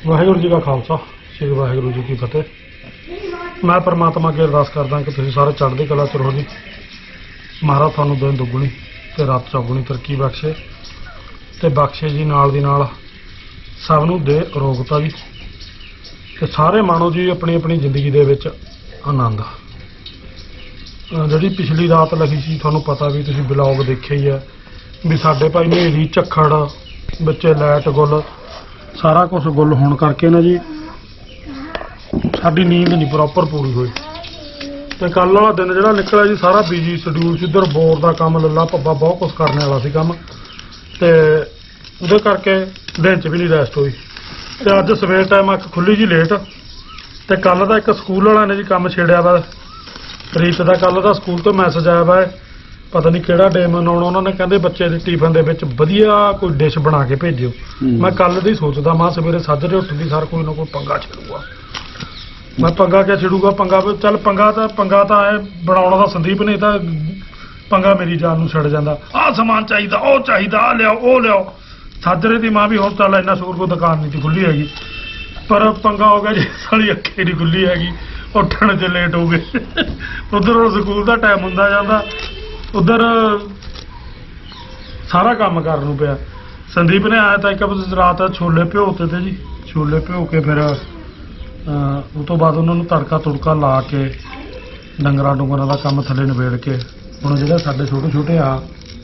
ਵਾਹਿਗੁਰੂ ਜੀ ਦਾ ਖਾਲਸਾ ਸ੍ਰੀ ਵਾਹਿਗੁਰੂ ਜੀ ਕੀ ਫਤਿਹ। ਮੈਂ परमात्मा ਅੱਗੇ ਅਰਦਾਸ ਕਰਦਾ ਕਿ ਤੁਸੀਂ ਸਾਰੇ ਚੜ੍ਹਦੀ ਕਲਾ 'ਚ ਰਹੋ ਜੀ। ਮਹਾਰਾਜ ਤੁਹਾਨੂੰ ਦਿਨ ਦੁੱਗਣੀ ਤੇ ਰਾਤ ਚੌਗੁਣੀ ਤਰੱਕੀ ਬਖਸ਼ੇ ਤੇ ਬਖਸ਼ੇ ਜੀ ਨਾਲ ਦੀ ਨਾਲ ਸਭ ਨੂੰ ਦੇ ਅਰੋਗਤਾ ਜੀ ਤੇ ਸਾਰੇ ਮਾਣੋ ਜੀ ਆਪਣੀ ਆਪਣੀ ਜ਼ਿੰਦਗੀ ਦੇ ਵਿੱਚ ਆਨੰਦ। ਜਿਹੜੀ ਪਿਛਲੀ ਰਾਤ ਲੱਗੀ ਸੀ ਤੁਹਾਨੂੰ ਪਤਾ ਵੀ ਤੁਸੀਂ ਬਲੌਗ ਦੇਖਿਆ ਹੀ ਹੈ ਵੀ ਸਾਡੇ ਭਾਈ ਹਨੇਰੀ ਝੱਖੜ ਬੱਚੇ ਲਾਈਟ ਗੁੱਲ ਸਾਰਾ ਕੁਝ ਗੁੱਲ ਹੋਣ ਕਰਕੇ ਨਾ ਜੀ ਸਾਡੀ ਨੀਂਦ ਨਹੀਂ ਪ੍ਰੋਪਰ ਪੂਰੀ ਹੋਈ ਤੇ ਕੱਲ ਵਾਲਾ ਦਿਨ ਜਿਹੜਾ ਨਿਕਲਿਆ ਜੀ ਸਾਰਾ ਬਿਜੀ ਸ਼ਡਿਊਲ ਸੀ। ਇੱਧਰ ਬੋਰ ਦਾ ਕੰਮ ਲੱਲਾ ਭੱਬਾ ਬਹੁਤ ਕੁਝ ਕਰਨ ਵਾਲਾ ਸੀ ਕੰਮ ਤੇ ਉਹਦੇ ਕਰਕੇ ਦਿਨ 'ਚ ਵੀ ਨਹੀਂ ਰੈਸਟ ਹੋਈ ਤੇ ਅੱਜ ਸਵੇਰ ਟਾਈਮ ਅੱਖ ਖੁੱਲੀ ਜੀ ਲੇਟ ਤੇ ਕੱਲ ਦਾ ਇੱਕ ਸਕੂਲ ਵਾਲਿਆਂ ਨੇ ਜੀ ਕੰਮ ਛੇੜਿਆ ਵਾ ਰੀਤ ਦਾ। ਕੱਲ ਦਾ ਸਕੂਲ ਤੋਂ ਮੈਸੇਜ ਆਇਆ ਵਾ ਪਤਾ ਨਹੀਂ ਕਿਹੜਾ ਡੇ ਮਨਾਉਣਾ ਉਹਨਾਂ ਨੇ ਕਹਿੰਦੇ ਬੱਚੇ ਦੇ ਟਿਫਨ ਦੇ ਵਿੱਚ ਵਧੀਆ ਕੋਈ ਡਿਸ਼ ਬਣਾ ਕੇ ਭੇਜਿਓ। ਮੈਂ ਕੱਲ ਦੀ ਸੋਚਦਾ ਮਾਂ ਸਵੇਰੇ ਸਾਜਰੇ ਉੱਠਦੀ ਸਾਰ ਕੋਈ ਨਾ ਕੋਈ ਪੰਗਾ ਛੇੜੂਗਾ। ਮੈਂ ਪੰਗਾ ਕਿਆ ਛੇੜੂਗਾ ਚੱਲ ਪੰਗਾ ਤਾਂ ਐ ਬਣਾਉਣਾ ਦਾ ਸੰਦੀਪ ਨੇ ਤਾਂ ਪੰਗਾ ਮੇਰੀ ਜਾਨ ਨੂੰ ਛੱਡ ਜਾਂਦਾ। ਆਹ ਸਮਾਨ ਚਾਹੀਦਾ ਉਹ ਚਾਹੀਦਾ ਆ ਲਿਆਓ ਉਹ ਲਿਆਓ। ਸਾਜਰੇ ਦੀ ਮਾਂ ਵੀ ਹੁਣ ਚੱਲ ਇੰਨਾ ਸ਼ੁਕਰ ਕੋਈ ਦੁਕਾਨ ਨਹੀਂ ਸੀ ਖੁੱਲੀ ਹੈਗੀ ਪਰ ਪੰਗਾ ਹੋ ਗਿਆ ਜੀ ਸਾਲੀ ਅੱਖੇ ਨਹੀਂ ਖੁੱਲੀ ਹੈਗੀ ਉੱਠਣ 'ਚ ਲੇਟ ਹੋ ਗਏ। ਉੱਧਰ ਸਕੂਲ ਦਾ ਟਾਈਮ ਹੁੰਦਾ ਜਾਂਦਾ ਉੱਧਰ ਸਾਰਾ ਕੰਮ ਕਰਨ ਨੂੰ ਪਿਆ। ਸੰਦੀਪ ਨੇ ਆਇਆ ਤਾਂ ਇੱਕ ਰਾਤ ਛੋਲੇ ਭਿਓਤੇ ਤੇ ਜੀ ਛੋਲੇ ਭਿਓ ਕੇ ਫਿਰ ਉਹ ਤੋਂ ਬਾਅਦ ਉਹਨਾਂ ਨੂੰ ਤੜਕਾ ਤੁੜਕਾ ਲਾ ਕੇ ਡੰਗਰਾਂ ਡੁੰਗਰਾਂ ਦਾ ਕੰਮ ਥੱਲੇ ਨਿਬੇੜ ਕੇ ਹੁਣ ਜਿਹੜੇ ਸਾਡੇ ਛੋਟੇ ਛੋਟੇ ਆ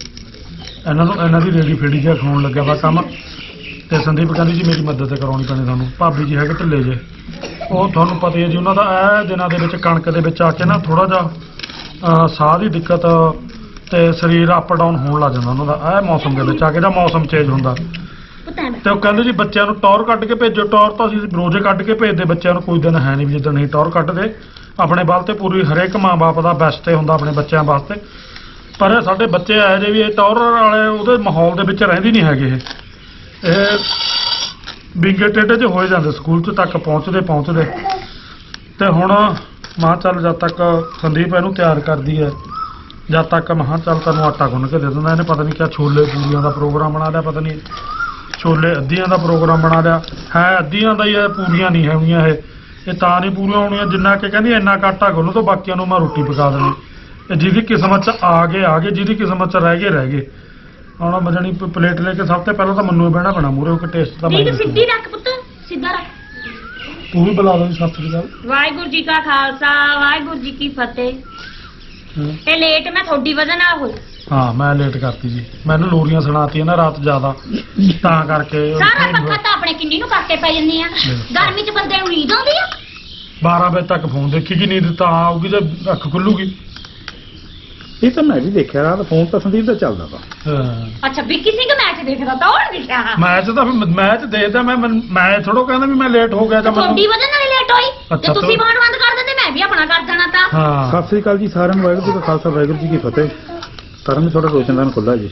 ਇਹਨਾਂ ਦੀ ਰੇੜੀ ਫੇੜੀ ਜਿਹਾ ਖਾਣ ਲੱਗਿਆ ਵਾ ਕੰਮ ਤੇ ਸੰਦੀਪ ਕਹਿੰਦੀ ਜੀ ਮੇਰੀ ਮਦਦ ਕਰਾਉਣੀ ਪੈਣੀ ਤੁਹਾਨੂੰ। ਭਾਬੀ ਜੀ ਹੈਗੇ ਢਿੱਲੇ ਜੇ ਉਹ ਤੁਹਾਨੂੰ ਪਤਾ ਹੀ ਹੈ ਜੀ ਉਹਨਾਂ ਦਾ ਇਹ ਦਿਨਾਂ ਦੇ ਵਿੱਚ ਕਣਕ ਦੇ ਵਿੱਚ ਆ ਕੇ ਨਾ ਥੋੜਾ ਜਿਹਾ ਸਾਹ ਦੀ ਦਿੱਕਤ ਤੇ ਸਰੀਰ ਅਪ ਡਾਊਨ ਹੋਣ ਲੱਗ ਜਾਂਦਾ ਉਹਨਾਂ ਦਾ ਇਹ ਮੌਸਮ ਦੇ ਵਿੱਚ ਆ ਕੇ ਜਾਂ ਮੌਸਮ ਚੇਂਜ ਹੁੰਦਾ ਤੇ ਉਹ ਕਹਿੰਦੇ ਜੀ ਬੱਚਿਆਂ ਨੂੰ ਟੌਰ ਕੱਢ ਕੇ ਭੇਜੋ। ਟੌਰ ਤਾਂ ਅਸੀਂ ਰੋਜ਼ੇ ਕੱਢ ਕੇ ਭੇਜਦੇ ਬੱਚਿਆਂ ਨੂੰ ਕੋਈ ਦਿਨ ਹੈ ਨਹੀਂ ਵੀ ਜਿੱਦਣ ਨਹੀਂ ਟੌਰ ਕੱਢਦੇ ਆਪਣੇ ਵੱਲ ਤੇ ਪੂਰੀ ਹਰੇਕ ਮਾਂ-ਬਾਪ ਦਾ ਬੈਸਟ ਹੁੰਦਾ ਆਪਣੇ ਬੱਚਿਆਂ ਵਾਸਤੇ ਪਰ ਸਾਡੇ ਬੱਚੇ ਇਹੋ ਜਿਹੇ ਵੀ ਇਹ ਟੌਰ ਵਾਲੇ ਉਹਦੇ ਮਾਹੌਲ ਦੇ ਵਿੱਚ ਰਹਿੰਦੇ ਨਹੀਂ ਹੈਗੇ ਇਹ ਵਿੰਗੇ ਟੇਢੇ 'ਚ ਹੋਏ ਜਾਂਦੇ ਸਕੂਲ 'ਚ ਤੱਕ ਪਹੁੰਚਦੇ ਤੇ ਹੁਣ ਮਾਂ ਚੱਲ ਜਦ ਤੱਕ ਸੰਦੀਪ ਇਹਨੂੰ ਤਿਆਰ ਕਰਦੀ ਹੈ ਜਦ ਤੱਕ ਮਹਾਂ ਚੱਲ ਤੈਨੂੰ ਆਟਾ ਗੁੰਨ ਕੇ ਦੇ ਦਿੰਦਾ। ਇਹਨੇ ਪਤਾ ਨਹੀਂ ਕਿਆ ਛੋਲੇ ਪੂਰੀਆਂ ਦਾ ਪ੍ਰੋਗਰਾਮ ਬਣਾ ਲਿਆ ਪਤਾ ਨਹੀਂ ਛੋਲੇ ਅੱਧੀਆਂ ਦਾ ਪ੍ਰੋਗਰਾਮ ਬਣਾ ਲਿਆ ਹੈ ਅੱਧੀਆਂ ਦਾ ਹੀ ਹੈ ਪੂਰੀਆਂ ਨਹੀਂ ਹੈਗੀਆਂ ਇਹ ਤਾਂ ਨਹੀਂ ਪੂਰੀਆਂ ਹੋਣੀਆਂ ਜਿੰਨਾ ਕਿ ਕਹਿੰਦੀ ਇੰਨਾ ਆਟਾ ਗੁੰਨ ਤੋਂ ਬਾਕੀਆਂ ਨੂੰ ਮੈਂ ਰੋਟੀ ਪਕਾ ਦੇਣੀ। ਤੇ ਜਿਹਦੀ ਕਿਸਮਤ 'ਚ ਆ ਗਏ ਜਿਹਦੀ ਕਿਸਮਤ 'ਚ ਰਹਿ ਗਏ ਹੁਣ ਮਜਣੀ ਪਲੇਟ ਲੈ ਕੇ ਸਭ ਤੋਂ ਪਹਿਲਾਂ ਤਾਂ ਮੈਨੂੰ ਬਹਿਣਾ ਪੈਣਾ ਮੂਹਰੇ ਕਿ ਟੇਸਟ ਤਾਂ ਨਹੀਂ ਸਿੱਧੀ ਰੱਖ ਪੁੱਤ ਸਿੱਧਾ ਰੱਖ। ਤੂੰ ਵੀ ਬੁਲਾ ਦੇ ਸਤਿ ਸ੍ਰੀ ਅਕਾਲ। ਵਾਹਿਗੁਰੂ ਜੀ ਕਾ ਖਾਲਸਾ ਵਾਹਿਗੁਰੂ ਜੀ ਕੀ ਫਤਿਹ। ਤੇ ਲੇਟ ਮੈਂ ਤੁਹਾਡੀ ਵਜ੍ਹਾ ਨਾਲ ਹੋਈ। ਹਾਂ ਮੈਂ ਲੇਟ ਕਰਤੀ ਜੀ ਮੈਨੂੰ ਲੋਰੀਆਂ ਸੁਣਾਤੀਆਂ ਨਾ ਰਾਤ ਜ਼ਿਆਦਾ ਤਾਂ ਕਰਕੇ ਸਾਰਾ ਪੱਖਾ ਤਾਂ ਆਪਣੇ ਕਿੰਨੀ ਨੂੰ ਕਰਕੇ ਪੈ ਜੰਨੀ ਆ ਗਰਮੀ 'ਚ ਬੰਦੇ ਨੂੰ ਨੀਂਦ ਆਉਂਦੀ ਆ 12 ਵਜੇ ਤੱਕ ਫੋਨ ਦੇਖੀ ਕਿ ਨੀਂਦ ਤਾਂ ਆਊਗੀ ਤੇ ਅੱਖ ਖੁੱਲੂਗੀ। ਇਹ ਤਾਂ ਮੈਂ ਵੀ ਦੇਖਿਆ ਰਾਤ ਫੋਨ ਤਾਂ ਸੰਦੀਪ ਦਾ ਚੱਲਦਾ ਵਾ। ਅੱਛਾ ਵਿੱਕੀ ਸਿੰਘ ਮੈਚ ਦੇਖਦਾ ਤਾਂ ਉਹ ਨਹੀਂ ਦੇਖਿਆ ਮੈਚ ਤਾਂ ਮੈਚ ਦੇਖਦਾ ਮੈਂ ਥੋੜੋ ਕਹਿੰਦਾ ਵੀ ਮੈਂ ਲੇਟ ਹੋ ਗਿਆ ਤਾਂ ਤੁਹਾਡੀ ਵਜ੍ਹਾ ਨਾਲ ਲੇਟ ਹੋਈ ਤੇ ਤੁਸੀਂ ਬਾਹਰ ਬੰਦ ਕਰ ਦਿੰਦੇ ਮੈਂ ਵੀ ਆਪਣਾ ਕਰ ਦੇਣਾ ਤਾਂ। ਹਾਂ ਸਤਿ ਸ੍ਰੀ ਅਕਾਲ ਜੀ ਸਾਰਿਆਂ ਨੂੰ ਵਾਹਿਗੁਰੂ ਜੀ ਕਾ ਖਾਲਸਾ ਵਾਹਿਗੁਰੂ ਜੀ ਕੀ ਫਤਿਹ। ਸਾਰਿਆਂ ਨੂੰ ਥੋੜਾ ਰੋਸ਼ਨਦਾਨ ਖੁੱਲਾ ਜੀ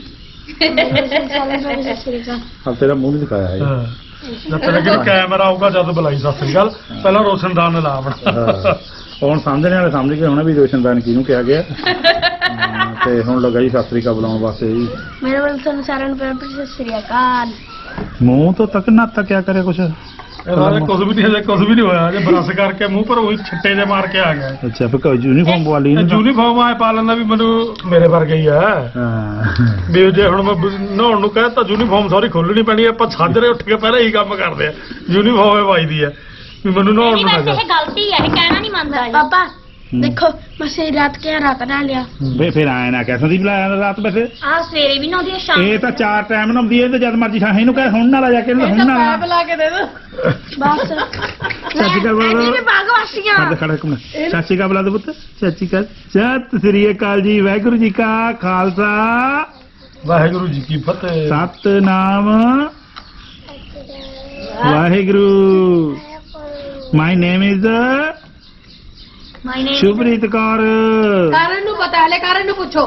ਹਾਲ ਤੇਰਾ ਮੂੰਹ ਨਹੀਂ ਦਿਖਾਇਆ ਹੈ ਜਦ ਤੱਕ ਕੈਮਰਾ ਆਊਗਾ ਜਦ ਬੁਲਾਈ ਸਤਿ ਸ੍ਰੀ ਅਕਾਲ ਪਹਿਲਾਂ ਰੋਸ਼ਨਦਾਨ ਲਾ ਆਪਣਾ ਹੁਣ ਸਮਝਣੇ ਵਾਲੇ ਸਮਝ ਗਏ ਹੋਣਾ ਵੀ ਰੋਸ਼ਨਦਾਨ ਕਿਹਨੂੰ ਕਿਹਾ ਗਿਆ ਤੇ ਹੁਣ ਲੱਗਾ ਜੀ ਸਤਿ ਸ੍ਰੀ ਅਕਾਲ ਬੁਲਾਉਣ ਵਾਸਤੇ ਜੀ। ਮੇਰੇ ਵੱਲ ਤੁਹਾਨੂੰ ਸਾਰਿਆਂ ਨੂੰ ਪਿਆਰ ਭਰੀ ਸਤਿ ਸ੍ਰੀ ਅਕਾਲ। ਮੂੰਹ ਤੋਂ ਤੱਕ ਨਾ ਕਿਆ ਕਰਿਆ ਕੁਛ ਕੁਝ ਵੀ ਨਹੀਂ ਹੋਇਆ ਜੇ ਬਰਸ ਕਰਕੇ ਮੂੰਹ ਪਰ ਉਹੀ ਛੱਟੇ ਜੇ ਮਾਰ ਕੇ ਆ ਗਿਆ। ਅੱਛਾ ਫਿਰ ਯੂਨੀਫਾਰਮ ਪਵਾ ਲਈ ਯੂਨੀਫਾਰਮ ਆਏ ਪਾ ਲੈਂਦਾ ਵੀ ਮੈਨੂੰ ਮੇਰੇ ਵਰਗਾ ਹੀ ਆ ਵੀ ਜੇ ਹੁਣ ਮੈਂ ਨਹਾਉਣ ਨੂੰ ਕਹਿ ਤਾਂ ਯੂਨੀਫਾਰਮ ਸਾਰੀ ਖੋਲਣੀ ਪੈਣੀ ਆਪਾਂ ਸਾਜਰੇ ਉੱਠ ਕੇ ਪਹਿਲਾਂ ਹੀ ਕੰਮ ਕਰਦੇ ਆ ਯੂਨੀਫਾਰਮ ਪਾਈਦੀ ਆ ਵੀ ਮੈਨੂੰ ਨਹਾਉਣ ਨੂੰ ਇਹ ਗਲਤੀ ਹੈ ਇਹ ਕਹਿਣਾ ਨਹੀਂ ਮੰਨਦਾ ਪਾਪਾ देखो मैं से रात के रात ना लिया ਵੇ ਫਿਰ ਆਇਆ ਨਾ ਕਹਿ ਸੰਦੀਪ ਲਾਇਆ ਰਾਤ ਵੈਸੇ ਆ ਸਵੇਰੇ ਵੀ ਨਹਾਉਂਦੀ ਆ ਸ਼ਾਮ ਇਹ ਤਾਂ 4 ਟਾਈਮ ਨਹਾਉਂਦੀ ਹੈ ਤੇ ਜਦ ਮਰਜੀ ਖਾਂ ਇਹਨੂੰ ਕਹਿ ਹੁਣ ਨਾ ਲਾ ਜਾ ਕੇ ਹੁਣ ਨਾ ਲਾ ला के दे दो बस ਸੱਚੀ ਗੱਲ ਬੋਲ भागवासियां ਹੱਥ ਖੜਾ ਇੱਕ ਮਿੰਟ ਸੱਚੀ ਗੱਲ ਬੁਲਾ ਦੇ ਪੁੱਤ ਸੱਚੀ ਗੱਲ ਸਤਿ ਸ੍ਰੀ ਅਕਾਲ ਜੀ ਵਾਹਿਗੁਰੂ ਜੀ ਕਾ ਖਾਲਸਾ ਵਾਹਿਗੁਰੂ ਜੀ ਕੀ ਫਤਿਹ। Satnam Waheguru my name is Shubhreet Kaur. कारण नु पता है ले कारण नु पूछो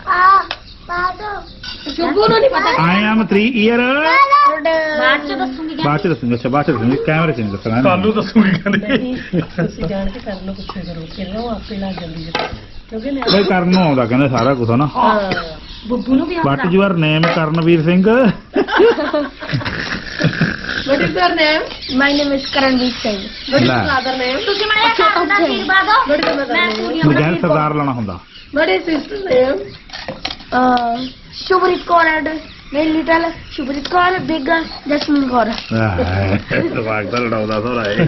शुभू नु नहीं पता ਆਈ ਐਮ 3 ਈਅਰ ਬਾਅਦ ਚ ਦੱਸੂਗੀ ਬਾਅਦ ਚ ਦੱਸੂਗਾ ਅੱਛਾ ਬਾਅਦ ਚ ਦੱਸੂਗਾ ਕੈਮਰੇ ਚ ਨਹੀਂ ਦੱਸਣਾ ਕੱਲੂ ਦੱਸੂਗੀ ਕਹਿੰਦੀ ਤੁਸੀਂ ਜਾਣ ਕੇ ਕਰ ਲਓ ਪੁੱਛੇ ਕਰੋ ਫਿਰ ਉਹ ਆਪੇ ਲੱਗ ਜਾਂਦੀ ਹੈ ਕਿਉਂਕਿ ਮੈਂ ਬਈ ਕਰਨ ਨੂੰ ਆਉਂਦਾ ਕਹਿੰਦੇ ਸਾਰਾ ਕੁਝ ਨਾ ਬੁੱਬੂ ਨੂੰ ਵੀ what your name Karanveer Singh What is your name? My name is Karandeep Singh. What is ਲੈ। your father name? ਤੁਸੀਂ ਮੈਨੂੰ ਇਹ ਕੰਮ ਦਾ ਆਸ਼ੀਰਵਾਦ ਦਿਓ What is your mother ਮੈਂ name? ਪੂਰੀਆਂ ਬਗੈਰ ਸਰਦਾਰ ਲਾਣਾ ਹੁੰਦਾ What is sister name? Shubhrit Kaur and my little Shubhrit Kaur, big Jasmine Kaur. ਦਿਮਾਗ ਤਾਂ ਲੜਾਉਂਦਾ ਸੋਰਾ ਇਹ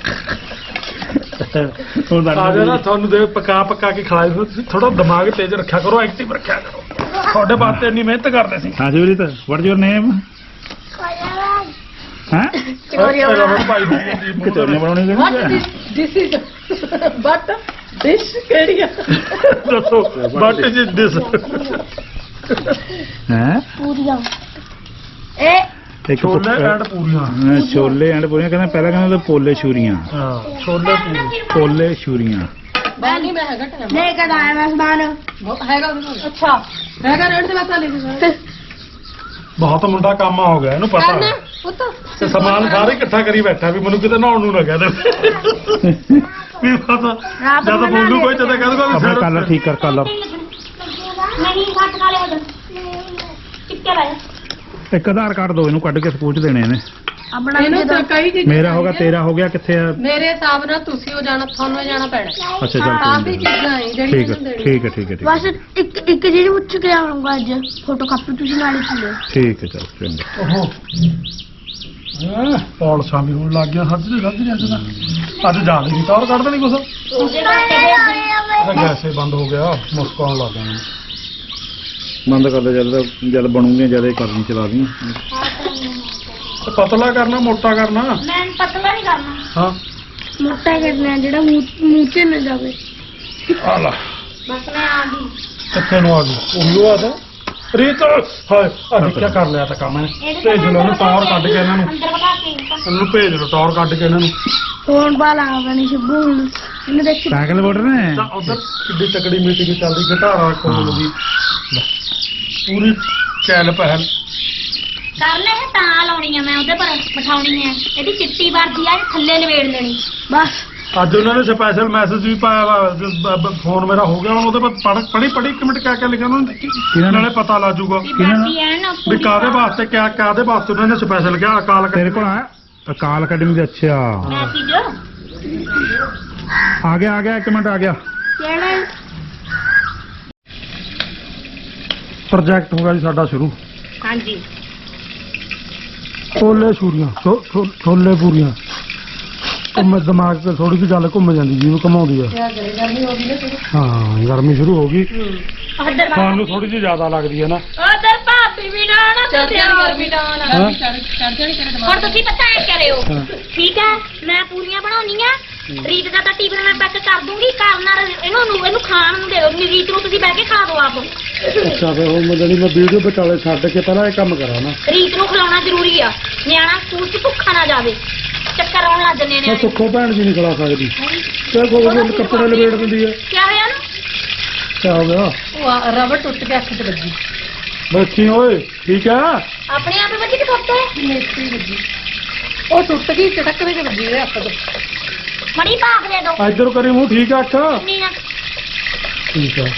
ਹੁਣ ਆ ਜਾ ਨਾ ਤੁਹਾਨੂੰ ਦੇ ਪਕਾ ਕੇ ਖਿਲਾਏ ਹੋਏ, ਤੁਸੀਂ ਥੋੜਾ ਦਿਮਾਗ ਤੇਜ਼ ਰੱਖਿਆ ਕਰੋ, ਐਕਟਿਵ ਰੱਖਿਆ ਕਰੋ। ਤੁਹਾਡੇ ਵਾਸਤੇ ਇੰਨੀ ਮਿਹਨਤ ਕਰਦੇ ਸੀ। ਹਾਂ ਜੁਰੀਤ ਵਾਟ ਯੂਰ ਨੇਮ ਹਾਂ ਰਬੜ ਭਾਈ ਦੀ ਮੂੰਹ ਤੇ ਕਿਤੇ ਬਣਾਉਣੀ What ਕਿਹੜੀ this is? But dish ਕਿਹੜੀ ਆ? ਦੱਸੋ ਵਾਟ ਇਜ਼ ਦਿਸ? ਹੈ Puriya. Eh, ਇੱਕ ਛੋਲੇ ਐਂਡ ਪੂਰੀਆਂ। ਛੋਲੇ ਐਂਡ ਪੂਰੀਆਂ ਕਹਿੰਦਾ ਪਹਿਲਾਂ ਕਹਿੰਦਾ ਪੋਲੇ ਛੁਰੀਆਂ ਹਾਂ ਛੋਲੇ ਪੂਰੀ। ਪੋਲੇ ਛੁਰੀਆਂ ਮੈਂ ਨਹੀਂ ਮੈਂ ਹੈਗਾ ਟਾਈਮ लेकर आया मैं सामान. ਹੈਗਾ ਉਹਦੇ ਕੋਲ ਅੱਛਾ ਹੈਗਾ ਰੇਟ ਤੇ ਬਤਾ ਲੈ ਬਹੁਤ ਮੁੰਡਾ ਕੰਮ ਹੋ ਗਿਆ, ਇਹਨੂੰ ਪਤਾ ਕਰਨਾ ਹੈ। ਪੁੱਤ ਤੇ ਸਮਾਨ ਸਾਰੇ ਇਕੱਠਾ ਕਰੀ ਬੈਠਾ ਵੀ ਮੈਨੂੰ ਕਿਤੇ ਨਹਾਉਣ ਨੂੰ ਨਾ ਕਹਿ ਦੇ ਵੀ ਪਤਾ ਜਦ ਬੋਲੂ ਕੋਈ ਜਦ ਕਹਿ ਦੂਗਾ ਵੀ ਆਪਣਾ ਸਿਰ ਕਲਰ ਠੀਕ ਕਰ ਕਲਰ ਨਹੀਂ ਘੱਟ ਖਾ ਲਿਆ ਚਿੱਟੇ ਲਾਇਆ ਇੱਕ ਆਧਾਰ ਕਾਰਡ ਦੋ ਇਹਨੂੰ ਕੱਢ ਕੇ ਸਕੂਲ ਚ ਦੇਣੇ ਇਹਨੇ अपना ਇਹਨੂੰ ਤਾਂ ਕਈ ਚੀਜ਼ਾਂ ਮੇਰਾ ਹੋ ਗਿਆ ਤੇਰਾ ਹੋ ਗਿਆ ਕਿੱਥੇ ਆ ਮੇਰੇ ਹਿਸਾਬ ਨਾਲ ਤੁਸੀਂ ਉਹ ਜਾਣਾ ਤੁਹਾਨੂੰ ਇਹ ਜਾਣਾ ਪੈਣਾ ਅੱਛਾ ਚੱਲ ਕਾਫੀ ਠੀਕ ਹੈ ਚੀਜ਼ਾਂ ਹੈ ਜਿਹੜੀਆਂ ਠੀਕ ਇਹਨੂੰ ਹੈ ਦੇਣੀਆਂ ਠੀਕ ਹੈ ਠੀਕ ਹੈ ਠੀਕ ਹੈ बस एक चीज पूछ के आऊंगा आज फोटो कापी तुझे नाली चले. ਠੀਕ ਹੈ ਚਲ ਚੰਗਾ ਓਹੋ ਪੌਲਸਾਂ ਵੀ ਹੋਣ ਲੱਗ ਗਿਆ ਸੱਜ ਅੱਜ ਜ਼ਿਆਦਾ ਨਹੀਂ ਟੌਰ ਕੱਢ ਦੇਣੀ ਕੁਛ ਗੈਸੇ ਬੰਦ ਹੋ ਗਿਆ ਮੁਸਕਾਉਣ ਲੱਗ ਗਿਆ ਬੰਦ ਕਰ ਦੇ ਜਦ ਬਣੂਗੀਆਂ ਜਦ ਇਹ ਕਰਨੀ ਚਲਾ ਦੀ ਤੇ ਪਤਲਾ ਕਰਨਾ ਮੋਟਾ ਕਰਨਾ ਮੈਂ ਪਤਲਾ ਨਹੀਂ ਕਰਨਾ ਹਾਂ मोटा करना है जेड़ा मुंह च न जावे. ਆ ਲਾ ਬਸ ਮੈਂ ਆ ਗਈ ਕਿੱਥੇ ਨੂੰ ਆ ਗਈ ਉਹੀ ਉਹ ਆਦਾ ਰੀਤ ਹਾਏ ਅੱਜ ਕੀ ਕਰ ਲਿਆ ਤਾਂ ਕੰਮ ਹੈ ਭੇਜ ਲਓ ਇਹਨੂੰ ਟੌਰ ਕੱਢ ਕੇ ਇਹਨਾਂ ਨੂੰ ਅੰਦਰ ਬਗਾ ਕੇ ਇਹਨੂੰ ਭੇਜ ਲਓ ਟੌਰ ਕੱਢ ਕੇ ਇਹਨਾਂ ਨੂੰ फोन वाला बनी शिबू इन्हें देख ਸਾਈਕਲ ਬੋੜ ਨੇ ਤਾਂ ਉਧਰ ਕਿੱਡੀ ਤਕੜੀ ਮੀਟਿੰਗ ਚੱਲਦੀ ਘਟਾਰਾ ਕੋਲ ਦੀ ਪੂਰੀ ਚੈਲ ਪਹਿਲ ਕਰ ਲੈ ਇਹ ਤਾਂ ਲਾਉਣੀ ਆ ਮੈਂ ਉਹਦੇ ਪਰ ਬਿਠਾਉਣੀ ਆ ਇਹਦੀ ਚਿੱਟੀ ਵਰਦੀ ਆ ਇਹ ਥੱਲੇ ਲਵੇੜ ਲੈਣੀ बस ਅੱਜ ਉਹਨਾਂ ਨੇ ਸਪੈਸ਼ਲ ਮੈਸੇਜ ਵੀ ਪਾਇਆ ਵਾ ਫੋਨ ਮੇਰਾ ਹੋ ਗਿਆ ਹੁਣ ਉਹਦੇ ਪਰ ਪੜੀ ਇੱਕ ਮਿੰਟ ਕਿਆ ਲਿਖਿਆ ਉਹਨਾਂ ਨੇ ਕਿਹਨਾਂ ਨੇ? ਨਾਲੇ ਪਤਾ ਲੱਗ ਜਾਊਗਾ ਵੀ ਵਰਦੀ ਐ ਨਾ ਵੀ ਕਾਦੇ ਵਾਸਤੇ ਕਾਦੇ ਵਾਸਤੇ ਉਹਨਾਂ ਨੇ ਸਪੈਸ਼ਲ ਕਿਹਾ ਅਕਾਲ ਤੇਰੇ ਕੋਲ ਆ ਅਕਾਲ ਅਕੈਡਮੀ ਦੇ ਅੱਛਾ ਮੈਸੇਜ ਆ ਗਿਆ ਇੱਕ ਮਿੰਟ ਆ ਗਿਆ केड़ा ਪ੍ਰੋਜੈਕਟ ਹੋ ਗਿਆ ਜੀ ਸਾਡਾ ਸ਼ੁਰੂ ਹਾਂਜੀ ਛੋਲੇ ਛੁਰੀਆਂ ਛੋਲੇ ਪੂਰੀਆਂ ਘੁੰਮ ਦਿਮਾਗ ਤੇ ਥੋੜੀ ਜਿਹੀ ਗੱਲ ਘੁੰਮ ਜਾਂਦੀ ਜੀ ਘਮਾਉਂਦੀ ਆ ਗਰਮੀ ਹੋ ਗਈ ਨਾ ਸ਼ੁਰੂ ਹਾਂ ਗਰਮੀ ਸ਼ੁਰੂ ਹੋ ਗਈ ਉਧਰ ਸਾਨੂੰ ਥੋੜੀ ਜਿਹੀ ਜ਼ਿਆਦਾ ਲੱਗਦੀ ਹੈ ਨਾ ਉਧਰ ਭਾਬੀ ਵੀ ਨਾ ਨਾ ਚੜ ਜਾਣੀ ਗਰਮੀ ਤਾਂ ਹਾਂ। ਚੜ ਜਾਣੀ ਤੇਰੇ ਹੁਣ ਤੁਸੀਂ ਪਤਾ ਐ ਕਰਿਓ ਹਾਂ। ਠੀਕ ਹੈ ਮੈਂ ਪੂਰੀਆਂ ਬਣਾਉਣੀਆਂ ਰੀਤ ਦਾ ਤਾਂ ਟਿਫਨ ਮੈਂ ਪੈਕ ਕਰ ਦੂੰਗੀ ਕਰਨਾ ਇਹਨੂੰ ਖਾਣ ਨੂੰ ਦੇ ਦਿਓ ਰੀਤ ਨੂੰ ਤੁਸੀਂ ਬਹਿ ਕੇ ਖਾ ਦਿਓ ਆਪ ਅੱਛਾ ਫਿਰ ਹੁਣ ਮੈਂ ਜਿਹੜੀ ਮੈਂ ਵੀਡੀਓ ਵਿਚਾਲੇ ਛੱਡ ਕੇ ਪਹਿਲਾਂ ਇਹ ਕੰਮ ਕਰਾਂ ਨਾ ਰੀਤ ਨੂੰ ਖਿਲਾਉਣਾ ਜ਼ਰੂਰੀ ਆ ਨਿਆਣਾ ਸਕੂਲ 'ਚ ਭੁੱਖਾ ਨਾ ਜਾਵੇ ਚੱਕਰ ਆਉਣ ਲੱਗ ਜੰਨੇ ਮੈਂ ਨੇ ਸੁੱਖੋ ਭੈਣ ਜੀ ਨਹੀਂ ਖਿਲਾ ਸਕਦੀ ਤੇ ਕੋਈ ਵੀ ਕੱਪੜੇ ਲਪੇਟ ਦਿੰਦੀ ਹੈ ਕੀ ਹੋਇਆ ਨਾ ਕਿਆ ਹੋ ਗਿਆ ਉਹ ਰਬੜ ਟੁੱਟ ਕੇ ਅੱਖ 'ਚ ਵੱਜੀ ਬੱਚੀ ਓਏ ਠੀਕ ਆ ਆਪਣੇ ਆਪ ਵੱਜੀ ਕਿ ਥੋਤੇ ਮੇਸੀ ਵੱਜੀ ਉਹ ਟੁੱਟ ਗਈ ਚਟਕ ਦੇ ਵੱਜੀ ਇਹ ਅੱਖ 'ਚ ਮੜੀ ਭਾਗ ਦੇ ਦੋ ਇੱਧਰ ਕਰੀ ਮੂੰਹ ਠੀਕ ਆ ਅੱਖ ਨਹੀਂ ਨਾ ਠੀਕ ਆ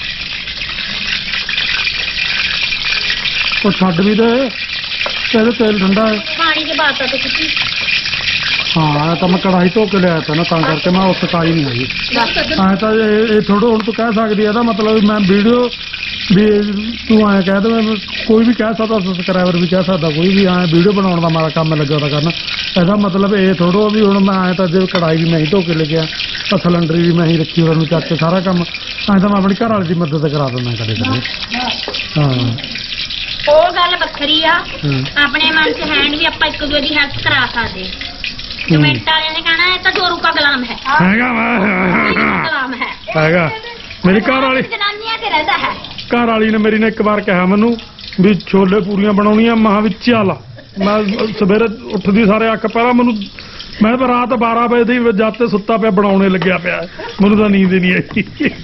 ਉਹ ਛੱਡ ਵੀ ਦੇ ਤੇਰੇ ਤੇਲ ਠੰਡਾ ਹੈ ਪਾਣੀ ਦੇ ਬਾਅਦ ਤਾਂ ਤੁਸੀਂ ਹਾਂ ਇਹ ਤਾਂ ਮੈਂ ਕੜਾਈ ਧੋ ਕੇ ਲਿਆਇਆ ਤਾ ਨਾ ਤਾਂ ਕਰਕੇ ਮੈਂ ਉਸ ਸਕਾਈ ਨਹੀਂ ਹੈਗੀ ਐ ਤਾਂ ਇਹ ਥੋੜਾ ਹੁਣ ਤੂੰ ਕਹਿ ਸਕਦੀ ਇਹਦਾ ਮਤਲਬ ਮੈਂ ਵੀਡੀਓ ਵੀ ਤੂੰ ਐਂ ਕਹਿ ਦੇ ਕੋਈ ਵੀ ਕਹਿ ਸਕਦਾ ਸਬਸਕ੍ਰਾਈਬਰ ਵੀ ਕਹਿ ਸਕਦਾ ਕੋਈ ਵੀ ਐਂ ਵੀਡੀਓ ਬਣਾਉਣ ਦਾ ਮਾਰਾ ਕੰਮ ਲੱਗਾ ਤਾਂ ਕਰਨਾ ਇਹਦਾ ਮਤਲਬ ਇਹ ਥੋੜੋ ਵੀ ਹੁਣ ਮੈਂ ਐਂ ਤਾਂ ਜੇ ਕੜਾਈ ਵੀ ਮੈਂ ਹੀ ਧੋ ਕੇ ਲੈ ਗਿਆ ਤਾਂ ਸਿਲੰਡਰ ਵੀ ਮੈਂ ਹੀ ਰੱਖੀ ਉਹਨੂੰ ਚੱਕ ਕੇ ਸਾਰਾ ਕੰਮ ਐਂ ਤਾਂ ਮੈਂ ਆਪਣੀ ਘਰ ਵਾਲੀ ਦੀ ਮਦਦ ਕਰਾ ਦਿੰਦਾ ਕਦੇ ਕਦੇ ਹਾਂ ਉਹ ਗੱਲ ਵੱਖਰੀ ਆ ਹਾਂ। ਆਪਣੇ ਮਨ 'ਚ ਹੈ ਨੀ ਵੀ ਆਪਾਂ ਇੱਕ ਦੂਜੇ ਦੀ ਹੈਲਪ ਕਰਾ ਸਕਦੇ ਕਮੈਂਟ ਵਾਲਿਆਂ ਨੇ ਕਹਿਣਾ ਇਹ ਤਾਂ ਜੋਰੂ ਕਾ ਗੁਲਾਮ ਹੈ ਹੈਗਾ ਵਾ ਗੁਲਾਮ ਹੈ ਹੈਗਾ ਮੇਰੀ ਘਰ ਵਾਲੀ ਜਨਾਨੀਆਂ ਤੇ ਰਹਿੰਦਾ ਹੈ ਘਰ ਵਾਲੀ ਨੇ ਮੇਰੀ ਨੇ ਇੱਕ ਵਾਰ ਕਿਹਾ ਮੈਨੂੰ ਵੀ ਛੋਲੇ ਪੂਰੀਆਂ ਬਣਾਉਣੀਆਂ ਮਹਾਂ ਵਿੱਚ ਚੱਲ ਮੈਂ ਸਵੇਰੇ ਉੱਠਦੀ ਸਾਰੇ ਅੱਖ ਪਹਿਲਾਂ ਮੈਨੂੰ ਮੈਂ ਤਾਂ ਰਾਤ 12 ਵਜੇ ਦੀ ਜਦ ਤੇ ਸੁੱਤਾ ਪਿਆ ਬਣਾਉਣੇ ਲੱਗਿਆ ਪਿਆ ਮੈਨੂੰ ਤਾਂ ਨੀਂਦ ਹੀ ਨਹੀਂ ਆਈ